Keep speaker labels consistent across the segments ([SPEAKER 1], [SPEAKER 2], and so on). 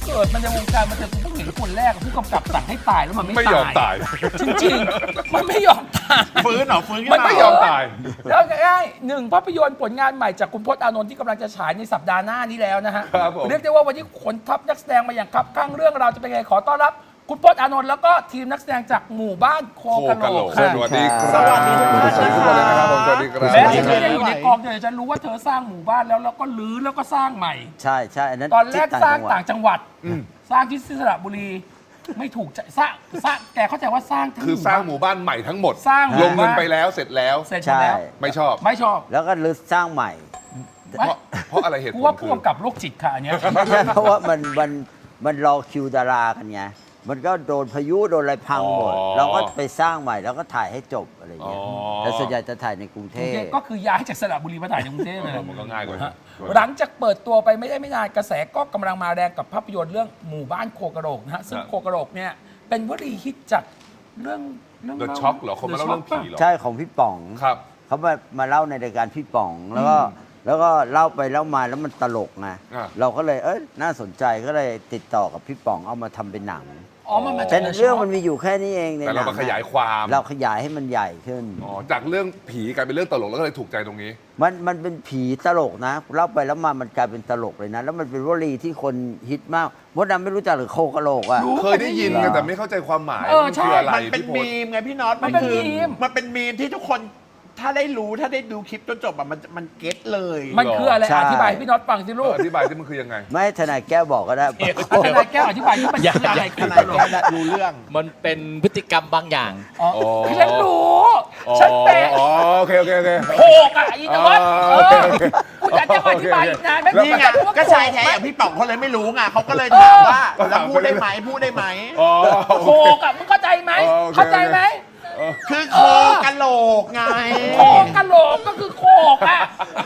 [SPEAKER 1] เกิดมันในวงการมันจะเพิ่งเห็นคนแรกผู้กำกับสั่งให้ตายแล้วมันไม่
[SPEAKER 2] ไม่ยอมตาย
[SPEAKER 1] จริงๆมันไม่ยอมตาย
[SPEAKER 3] ฟื้นเหรอฟื้นขึ้น
[SPEAKER 1] มัน
[SPEAKER 3] มา
[SPEAKER 1] ไม่
[SPEAKER 2] ไม่ยอมตาย
[SPEAKER 1] แล้วง่ายๆหนึ่งภาพยนตร์ผลงานใหม่จากคุณพจน์อานนท์ที่กำลังจะฉายในสัปดาห์หน้านี้แล้วนะฮะ
[SPEAKER 2] ครับผม
[SPEAKER 1] เรียกได้ว่าวันนี้ขนทัพนักแสดงมาอย่างครับข้างเรื่องเราวจะเป็นไงขอต้อนรับคุณพจน์อานนท์แล้วก็ทีมนักแสดงจากหมู่บ้านโค
[SPEAKER 2] โค
[SPEAKER 1] กะ
[SPEAKER 2] กะ
[SPEAKER 1] โห
[SPEAKER 2] โห
[SPEAKER 1] ล
[SPEAKER 2] ล
[SPEAKER 1] ก
[SPEAKER 2] ก
[SPEAKER 1] ค่ะ
[SPEAKER 2] สวัสดีครับ
[SPEAKER 3] สวัสดีทุกท่าน
[SPEAKER 2] สวัสดีทุกคนเลยนะครับผมสวัสดีครับ
[SPEAKER 1] แม้ฉันไม่ได้อยู่ในกองเดียวฉันรู้ว่าเธอสร้างหมู่บ้านแล้วก็รื้อแล้วก็สร้างใหม่
[SPEAKER 4] ใช่ใช่อันนั้น
[SPEAKER 1] ตอนแรก
[SPEAKER 4] ที่
[SPEAKER 1] สร้าง
[SPEAKER 4] จัหวัด
[SPEAKER 1] ต่างจังหวัด สร้างที่สระบุรี ไม่ถูกใจสร้างแกเข้าใจว่าสร้างทั้ง
[SPEAKER 2] คือสร้างหมู่บ้านใหม่ทั้งหมด
[SPEAKER 1] สร้างหมู่
[SPEAKER 2] ลงเงิน
[SPEAKER 1] บ้าน
[SPEAKER 2] ไปแล้วเสร็จแล้ว
[SPEAKER 1] เสร็จหมด
[SPEAKER 4] ใช่
[SPEAKER 1] แล้ว
[SPEAKER 2] ไม่ชอบ
[SPEAKER 1] ไม่ชอบ
[SPEAKER 4] แล้วก็รื้อสร้างใหม่
[SPEAKER 2] เพราะอะไรเหตุผ
[SPEAKER 1] กู
[SPEAKER 2] ล
[SPEAKER 1] ว่า
[SPEAKER 2] คื
[SPEAKER 1] ผู้
[SPEAKER 2] อ
[SPEAKER 1] กำกับโรคจิตค่ะอันเนี้ย
[SPEAKER 4] ไม่ใช่เพราะว่ามันรอคิวดารากันไงมันก็โดนพายุโดนอะไรพังหมด เราก็ไปสร้างใหม่แล้วก็ถ่ายให้จบอะไรอย่างเงี้ยแต่ส่วนใหญ่จะถ่ายในกรุงเทพ
[SPEAKER 1] ก็คือย้ายจากสระบุรีมาถ่ายในกรุงเทพเลย
[SPEAKER 2] มันก็ง่ายกว่า
[SPEAKER 1] ฮะหลังจากเปิดตัวไปไม่ได้ไม่นานกระแสก็กำลังมาแรงกับภาพยนตร์เรื่องหมู่บ้านโคกระโหลกนะฮะซึ่งโคกระโหลกเนี่ยเป็นวลีฮิตจากเรื่อง
[SPEAKER 2] เดอะช็อคเหรอคนมาเล่าเรื่องผีเหรอ
[SPEAKER 4] ใช่ของพี่ป๋อง
[SPEAKER 2] ครับ
[SPEAKER 4] เขามาเล่าในรายการพี่ป๋องแล้วก็เล่าไปเล่ามาแล้วมันตลกไง
[SPEAKER 2] อ่ะ
[SPEAKER 4] เราก็เลยน่าสนใจก็เลยติดต่อกับพี่ป๋องเอามาทำเป็นหนัง
[SPEAKER 1] อ๋อมันมาจา
[SPEAKER 4] แต่
[SPEAKER 1] ก
[SPEAKER 4] เรื่องมันมีอยู่แค่นี้เองใน
[SPEAKER 2] แต่
[SPEAKER 4] หนั
[SPEAKER 2] เรา
[SPEAKER 4] ง
[SPEAKER 2] มาขยายความ
[SPEAKER 4] เราขยายให้มันใหญ่ขึ้น
[SPEAKER 2] อ๋อจากเรื่องผีกลายเป็นเรื่องตลกแล้วก็เลยถูกใจตรงนี้
[SPEAKER 4] มันเป็นผีตลกนะเล่าไปแล้วมามันกลายเป็นตลกเลยนะ แล้วมันเป็นวลีที่คนฮิตมากมดดำไม่รู้จักหรือโคกะโหลกอ่ะ
[SPEAKER 1] รู้
[SPEAKER 2] เคยได้ยินไงแต่ไม่เข้าใจความหมาย
[SPEAKER 1] เออใช่
[SPEAKER 2] คืออะไร
[SPEAKER 3] มันเป็น
[SPEAKER 2] พี่พ
[SPEAKER 3] มี
[SPEAKER 2] ศ
[SPEAKER 3] มไงพี่น็อต
[SPEAKER 1] มันเป็น
[SPEAKER 3] คือ
[SPEAKER 1] มีม
[SPEAKER 3] มันเป็นมีมที่ทุกคนถ้าได้รู้ถ้าได้ดูคลิปจนจบอะมันเก็ตเลย
[SPEAKER 1] มันคืออะไร
[SPEAKER 4] ใช่
[SPEAKER 1] อธิบายให้พี่น็อตฟังสิลูก
[SPEAKER 2] อธิบายที่มันคือยังไง
[SPEAKER 4] ไม่ให้ทนายแก้วบอกก็ได้
[SPEAKER 1] ทนายแก้วอธิบายที่มันคืออะไร
[SPEAKER 3] ขนาดแค่ดูเรื่อง
[SPEAKER 5] มันเป็นพฤติกรรมบางอย่าง
[SPEAKER 1] อ๋อ
[SPEAKER 2] อ๋อ
[SPEAKER 1] คือฉันรู้ฉันเป็น
[SPEAKER 2] อ๋อโอเคโอเค
[SPEAKER 1] โขกอ่ะอีนวัด
[SPEAKER 2] อ๋อโอเคโอเค
[SPEAKER 1] คุณอยากจะอธิบายอีกนานไหม
[SPEAKER 3] นี่ไงก็ชายแท้อย่างพี่ป๋องเขาเลยไม่รู้ไงเขาก็เลยถามว่าแล้วพูดได้ไหมพูดได้ไหม
[SPEAKER 2] อ๋อ
[SPEAKER 1] โขกอ่ะมึงเข้าใจไหม
[SPEAKER 2] อ๋อโอเค
[SPEAKER 1] เข้าใจไหม
[SPEAKER 3] คือโคกะโหลกไง
[SPEAKER 1] โขกกะโหลกก็คือโขกอ่ะ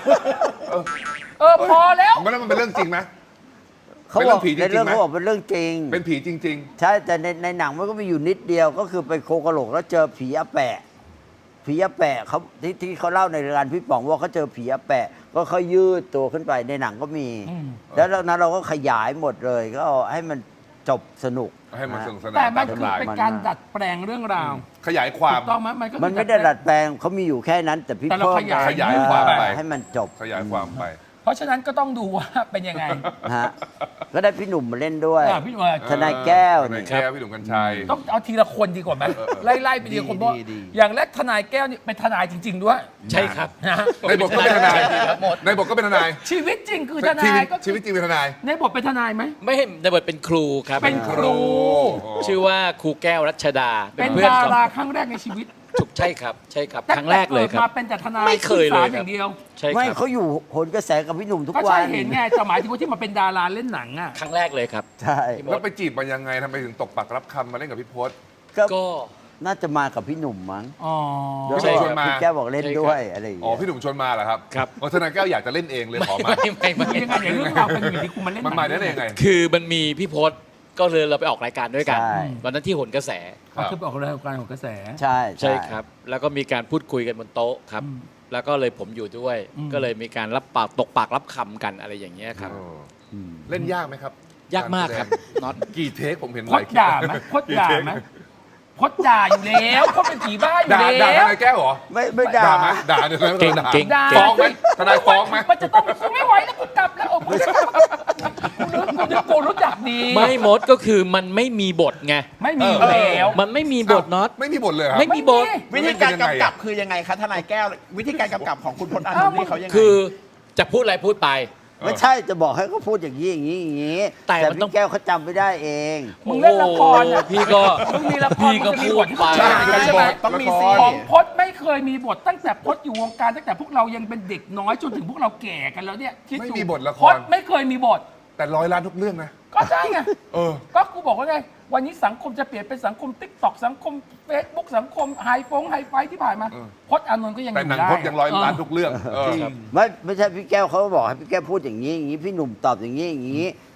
[SPEAKER 1] พอแล้ว
[SPEAKER 2] มันเป็นเรื่องจริงไหม
[SPEAKER 4] เขา
[SPEAKER 2] เป็น
[SPEAKER 4] บ
[SPEAKER 2] เรื่
[SPEAKER 4] อ
[SPEAKER 2] อก งผีจริงๆ
[SPEAKER 4] ในเรื่อง
[SPEAKER 2] ไหม
[SPEAKER 4] เขาบอกเป็นเรื่องจริง
[SPEAKER 2] เป็นผีจริง
[SPEAKER 4] ใช่แต่ในหนังมันก็มีอยู่นิดเดียวก็คือไปโคกะโหลกแล้วเจอผีอาแปะผีอาแปะเขาที่เขาเล่าในรายการพี่ป๋องว่าเขาเจอผีอาแปะก็เขายืดตัวขึ้นไปในหนังก็มี แล้วนั้นเราก็ขยายหมดเลยก็เอาให้มันจบสนุก
[SPEAKER 2] ๆ ให้มันสนุกสนาน
[SPEAKER 1] แต่มัน
[SPEAKER 2] ตา
[SPEAKER 1] คือ
[SPEAKER 2] ลาย
[SPEAKER 1] เป็นการดัดแปลงเรื่องราว
[SPEAKER 2] ขยายความ
[SPEAKER 1] ถูกต้องไหมมันก็คือ
[SPEAKER 4] มันไม่ได้ดัดแปลงเขามีอยู่แค่นั้น แต่พี่
[SPEAKER 1] แต่เรา
[SPEAKER 4] เพิ่ม
[SPEAKER 1] ขยาย
[SPEAKER 2] ความไป
[SPEAKER 4] ให้มันจบ
[SPEAKER 2] ขยายความไป
[SPEAKER 1] เพราะฉะนั้นก็ต้องดูว่าเป็นยังไง
[SPEAKER 4] ฮะก็ได้พี่หนุ่มมาเล่นด้วย
[SPEAKER 1] พี่หนุ่ม
[SPEAKER 4] ทนายแก้ว
[SPEAKER 2] ทนายแก้วพี่หนุ่มกัญชัย
[SPEAKER 1] ต้องเอาทีละคนดีกว่าไหมไล่ไปทีละคนเพราะอย่างแรกทนายแก้วนี่เป็นทนายจริง ๆ ด้วย
[SPEAKER 5] ใช่ครับ
[SPEAKER 1] นะฮะ
[SPEAKER 2] ในบทก็เป็นทนายในบทก็เป็นทนาย
[SPEAKER 1] ชีวิตจริงคือทนายก็
[SPEAKER 2] ชีวิตจริงเป็นทนาย
[SPEAKER 1] ในบทเป็นทนายไหม
[SPEAKER 5] ไม่ให้ในบทเป็นครูครับ
[SPEAKER 1] เป็นครู
[SPEAKER 5] ชื่อว่าครูแก้วรัชดา
[SPEAKER 1] เป็น
[SPEAKER 5] เพื่อน
[SPEAKER 1] ดา
[SPEAKER 5] กับ
[SPEAKER 1] ราครั้งแรกในชีวิต
[SPEAKER 5] ถูกใช่ครับ ใช่ครับ ครั้งแรกเลยครับ
[SPEAKER 1] มาเป็นแต่ทนาย
[SPEAKER 5] ไม่เคยเลย
[SPEAKER 1] ขึ้นศา
[SPEAKER 5] ครับ
[SPEAKER 1] อย่างเดียว
[SPEAKER 5] ใช่ค
[SPEAKER 4] ไม่
[SPEAKER 5] รับ
[SPEAKER 4] เขาอยู่โหนกระแสกับพี่หนุ่มทุก
[SPEAKER 1] ก็
[SPEAKER 4] วั
[SPEAKER 1] ใช่
[SPEAKER 4] น
[SPEAKER 1] เห็นไงแต่หมายถึงว่าที่มาเป็นดาราเล่นหนังอ่ะ
[SPEAKER 5] ครั้งแรกเลยครับ
[SPEAKER 4] ใช่
[SPEAKER 5] พี่ม
[SPEAKER 2] แล้ว
[SPEAKER 5] ด
[SPEAKER 2] ไปจีบมันยังไงทำไมถึงตกปักรับคำมาเล่นกับพี่พศ
[SPEAKER 4] ก็
[SPEAKER 5] ก็
[SPEAKER 4] น่าจะมากับพี่หนุ่มมั้ง
[SPEAKER 1] อ๋อ
[SPEAKER 4] แล้ว
[SPEAKER 2] ใช่
[SPEAKER 4] ก็
[SPEAKER 2] ชวนมา
[SPEAKER 4] พี่แก้วบอกเล่นด้วยอะไรอย่าง
[SPEAKER 2] อ๋อ
[SPEAKER 4] เงี้ย
[SPEAKER 2] พี่หนุ่มชวนมาเหรอครับ
[SPEAKER 5] ครับ
[SPEAKER 2] อ๋อทนายแก้วอยากจะเล่นเองเลยขอมา
[SPEAKER 5] ไม่
[SPEAKER 1] คือยังไงเนี่ยเรื่องราวเป็นอยู่ที่คุณมาเล่นห
[SPEAKER 2] มัน
[SPEAKER 1] นัง
[SPEAKER 2] มาได้ยังไง
[SPEAKER 5] คือมันมีพี่พศก็เลยเราไปออกรายการด้วยกัน
[SPEAKER 4] ใช่
[SPEAKER 5] วันนั้นที่โหนกระแส
[SPEAKER 1] อ๋อคือออกรายการของกระแส
[SPEAKER 4] ใช่
[SPEAKER 5] ใช่ครับ แล้วก็มีการพูดคุยกันบนโต๊ะครับ
[SPEAKER 1] อืม
[SPEAKER 5] แล้วก็เลยผมอยู่ด้วย
[SPEAKER 1] อืม
[SPEAKER 5] ก็เลยมีการรับปากตกปากรับคำกันอะไรอย่างเงี้ยครับ
[SPEAKER 4] อืม
[SPEAKER 2] เล่นยากไหมครับ
[SPEAKER 5] ยากมากครับน็อต
[SPEAKER 2] กี่เทคผมเห็น
[SPEAKER 1] พ
[SPEAKER 2] หลา
[SPEAKER 1] ด
[SPEAKER 2] ยคลิป
[SPEAKER 1] ด่าไหมพดด่าไหมพดด่าอยู่แล้วพดเป็นผีบ้าอยู่
[SPEAKER 2] ด่า
[SPEAKER 1] แล้
[SPEAKER 2] ท
[SPEAKER 1] ว
[SPEAKER 2] นายแก้วเหรอ
[SPEAKER 4] ไม่ด่า
[SPEAKER 2] ด่าไหมด่าเนี่ยนะ
[SPEAKER 5] เก่ง
[SPEAKER 2] ด่า
[SPEAKER 5] เก่ง
[SPEAKER 1] ด่า
[SPEAKER 2] ฟ้องไหมทนายฟ้องไหม
[SPEAKER 1] มันจะต้องกูไม่ไหวแล้วกูกลับแล้วกูจะกลับกูรู้จักดี
[SPEAKER 5] ไม่มดก็คือมันไม่มีบทไง
[SPEAKER 1] ไม่มีอยู่แล้ว
[SPEAKER 5] มันไม่มีบทน็อต
[SPEAKER 2] ไม่มีบทเลยเหรอครับ
[SPEAKER 5] ไม่มีบท
[SPEAKER 3] วิธีการกำกับคือยังไงคะทนายแก้ว วิธีการกำกับของคุณพจน์อานนท์นี่เขายังไง
[SPEAKER 5] คือจะพูดอะไรพูดไป
[SPEAKER 4] ไม่ใช่จะบอกให้เขาพูดอย่างนี้อย่างนี้อย่างนี้
[SPEAKER 5] แต่มันต้อง
[SPEAKER 4] พี่แก้วเขาจำไม่ได้เอง
[SPEAKER 1] มึงเล่นละครอ่ะ
[SPEAKER 5] โอ้พี่ก็
[SPEAKER 1] มึงมีละคร
[SPEAKER 5] พี่ก็
[SPEAKER 1] มึงจะมี
[SPEAKER 5] พู
[SPEAKER 1] บ
[SPEAKER 5] ด
[SPEAKER 1] ท
[SPEAKER 5] ไป
[SPEAKER 2] ใช่
[SPEAKER 1] ใช่ไหม
[SPEAKER 3] ต้องมี
[SPEAKER 2] ละค
[SPEAKER 3] ซี
[SPEAKER 2] ร
[SPEAKER 1] ของพจน์ไม่เคยมีบทตั้งแต่พจน์อยู่วงการตั้งแต่พวกเรายังเป็นเด็กน้อยจนถึงพวกเราแก่กันแล้วเนี่ยคิด
[SPEAKER 2] ไม่
[SPEAKER 1] ดู
[SPEAKER 2] มีบทละคร
[SPEAKER 1] พจน์ไม่เคยมีบท
[SPEAKER 2] แต่100 ล้านทุกเรื่องนะ
[SPEAKER 1] ก็ใช่ไง
[SPEAKER 2] เออ
[SPEAKER 1] ก็กูบอกว่าไง วันนี้สังคมจะเปลี่ยนเป็นสังคมติ๊กต็อกสังคมเฟซบุ๊กสังคมไฮไฟที่ผ่านมา
[SPEAKER 2] เออ
[SPEAKER 1] พจน์อานนท์ก็ยังอ
[SPEAKER 2] แต่
[SPEAKER 1] ยู่
[SPEAKER 2] หนัง
[SPEAKER 1] ได้
[SPEAKER 2] พจน์ยัง100 ล้านทุกเรื่องเออ
[SPEAKER 4] ไม่ใช่พี่แก้วเขาบอกให้พี่แก้วพูดอย่างนี้อย่างนี้พี่หนุ่มตอบอย่างนี้อย่างนี้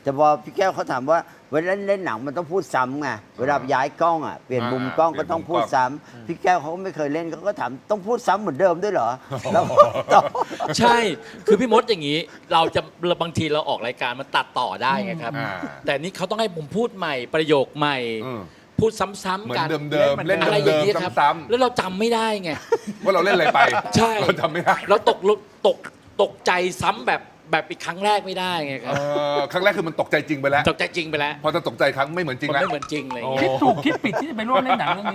[SPEAKER 4] แต่พอพี่แก้วเขาถามว่าเวลาเล่นหนังมันต้องพูดซ้ำไงเวลาย้ายกล้องอ่ะเปลี่ยนมุมกล้องก็ต้องพูดซ้ำพี่แก้วเขาก็ไม่เคยเล่นเขาก็ถามต้องพูดซ้ำเหมือนเดิมด้วยเหรอแล้วก็ตอบ
[SPEAKER 5] ใช่ คือพี่มดอย่างนี้ เราจะบางทีเราออกรายการมันตัดต่อได้ไงครับ
[SPEAKER 2] อ่า
[SPEAKER 5] แต่นี่เขาต้องให้ผมพูดใหม่ประโยคใหม่
[SPEAKER 2] อืม
[SPEAKER 5] พูดซ้ำ
[SPEAKER 2] เหมือ
[SPEAKER 5] ๆกัน
[SPEAKER 2] นเดิมๆเล่น
[SPEAKER 5] อะไรอ
[SPEAKER 2] เดิ
[SPEAKER 5] ย่าง
[SPEAKER 2] ม
[SPEAKER 5] นี้ครับ
[SPEAKER 2] ๆซ้ำ
[SPEAKER 5] แล้วเราจำไม่ได้ไง
[SPEAKER 2] ๆว่าเราเล่นอะไรไป
[SPEAKER 5] ใช่
[SPEAKER 2] เราจำไม่ได้
[SPEAKER 5] เราตกใจซ้ำแบบอีกครั้งแรกไม่ได้ไงครับ
[SPEAKER 2] ครั้งแรกคือมันตกใจจริงไปแล้ว
[SPEAKER 5] ตกใจจริงไปแล้ว
[SPEAKER 2] พอจะตกใจครั้งไม่เหมือนจริง
[SPEAKER 5] มัน
[SPEAKER 2] แล้ว
[SPEAKER 5] ไม่เหมือนจริงอะไรอย่าง
[SPEAKER 1] คิ
[SPEAKER 5] เงี้
[SPEAKER 1] ด
[SPEAKER 5] ย
[SPEAKER 1] ถูกคิดผิดที่จะไปร่วมเล่นหนังเรื่องนี้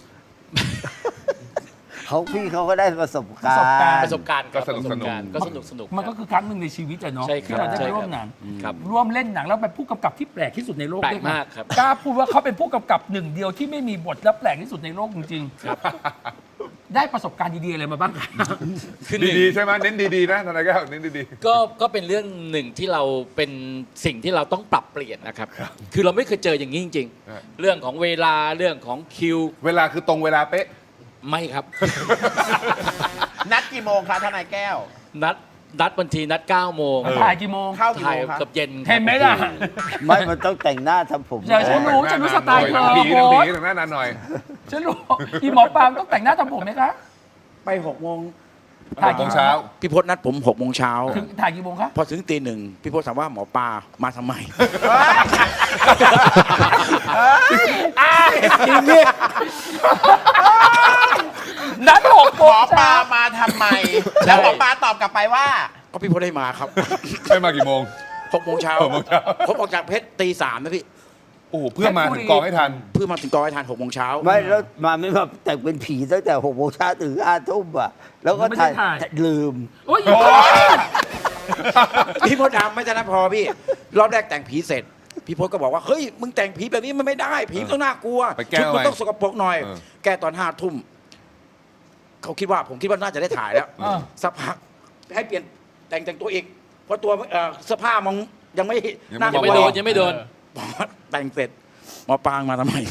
[SPEAKER 4] พี่เขาก็ได้ประสบการ
[SPEAKER 1] ประสบการณ์
[SPEAKER 4] ณ์
[SPEAKER 5] ประสบการณ์
[SPEAKER 2] ก็สนุกสนุก
[SPEAKER 5] ก็สนุก
[SPEAKER 1] มันก็คือครั้งหนึ่งในชีวิตอะเนาะ
[SPEAKER 5] ใช่ครับ
[SPEAKER 1] ที่เราได้
[SPEAKER 5] ใช่
[SPEAKER 1] ไป
[SPEAKER 5] ครับ
[SPEAKER 1] ร่วมหนัง
[SPEAKER 5] ครับ
[SPEAKER 1] ร่วมเล่นหนังแล้วเป็นผู้กำกับที่แปลกที่สุดในโลก
[SPEAKER 5] แปลก
[SPEAKER 1] ด้วยนะ
[SPEAKER 5] มากครับ
[SPEAKER 1] กล้าพูดว่าเขาเป็นผู้กำกับหนึ่งเดียวที่ไม่มีบทและแปลกที่สุดในโลกจริงๆได้ประสบการณ์ดีๆอะไรมาบ้างครับ
[SPEAKER 5] คือหนึ่ง
[SPEAKER 2] ดีๆใช่ไหมเน้นดีๆนะทนายแก้วเน้นดี
[SPEAKER 5] ก็เป็นเรื่องหนึ่งที่เราเป็นสิ่งที่เราต้องปรับเปลี่ยนนะครับ คือเราไม่เคยเจออย่างนี้จริง ๆ เรื่องของเวลาเรื่องของคิว
[SPEAKER 2] ๆ เวลาคือตรงเวลาเป๊ะ
[SPEAKER 5] ไม่ครับ
[SPEAKER 3] นัดกี่โมงคะทนายแก้ว
[SPEAKER 5] นัดบางทีนัด9โมง
[SPEAKER 1] ถ่ายกี่โมง
[SPEAKER 3] เข้ากี่
[SPEAKER 5] ถ่าย
[SPEAKER 3] โมงคะ
[SPEAKER 5] เกับเย็น
[SPEAKER 1] เห็นไหมล่ะ
[SPEAKER 4] ไม่มันต้องแต่งหน้าทำผม
[SPEAKER 1] เดี๋ยวฉันรู้สไตล์เธอ
[SPEAKER 2] ผี
[SPEAKER 1] โบ๊ท
[SPEAKER 2] หน้านานหน่อย
[SPEAKER 1] ฉันรู้อีหมอปลาต้องแต่งหน้าทำผมไหมคะ
[SPEAKER 6] ไป6 โมง
[SPEAKER 1] ถ่าย
[SPEAKER 2] 6 โมงเช้า
[SPEAKER 6] พี่พจน์นัดผม6 โมงเช้า
[SPEAKER 1] ถึงถ่ายกี่โมงคะ
[SPEAKER 6] พอถึงตี 1พี่พจน์ถามว่าหมอปลามาทำไม
[SPEAKER 1] นัด6 โม
[SPEAKER 3] หม
[SPEAKER 1] ง
[SPEAKER 3] อปลา
[SPEAKER 1] เช้า
[SPEAKER 3] มาทำไม แล้วหมอปลาตอบกลับไปว่า
[SPEAKER 6] ก็พี่พจน์ได้มาครับ
[SPEAKER 2] ได้มากี่โมง
[SPEAKER 6] 6 โมงเช้า
[SPEAKER 2] 6 โมงเช้า
[SPEAKER 6] ผมออกจากเพชรตี 3นะพี่
[SPEAKER 2] โอ้โหเพื่อมาถึงกองให้ทัน
[SPEAKER 6] เพื่อมาถึงกองให้ทาน6 โมงเช้า
[SPEAKER 4] ไม่แล้วมาไม่มาแต่งเป็นผีตั้งแต่6 โมงเช้าถึง5 ทุ่มอ่ะแล้วก็ถ่ายลืม
[SPEAKER 1] โอ้ย
[SPEAKER 6] พี่พจน์ดำไม่ใช่นะพอพี่ รอบแรกแต่งผีเสร็จ พี่พจน์ก็บอกว่าเฮ้ยมึงแต่งผีแบบนี้มันไม่ได้ ผีมันต้องน่ากลัว
[SPEAKER 2] ไปแก้
[SPEAKER 6] ชุดมัน
[SPEAKER 2] ไว้
[SPEAKER 6] ต้องสกปรกหน่อย
[SPEAKER 2] เออ
[SPEAKER 6] แก้ตอน5 ทุ่มผมคิดว่าน่าจะได้ถ่ายแล้ว สักพักให้เปลี่ยนแต่งตัวอีกเพราะตัวเสื้อผ้ามันยังไม่น่า
[SPEAKER 5] ยังไม่โดนยังไม่โดน
[SPEAKER 6] บอกว่าแต่งเสร็จหมอปางมาทำไม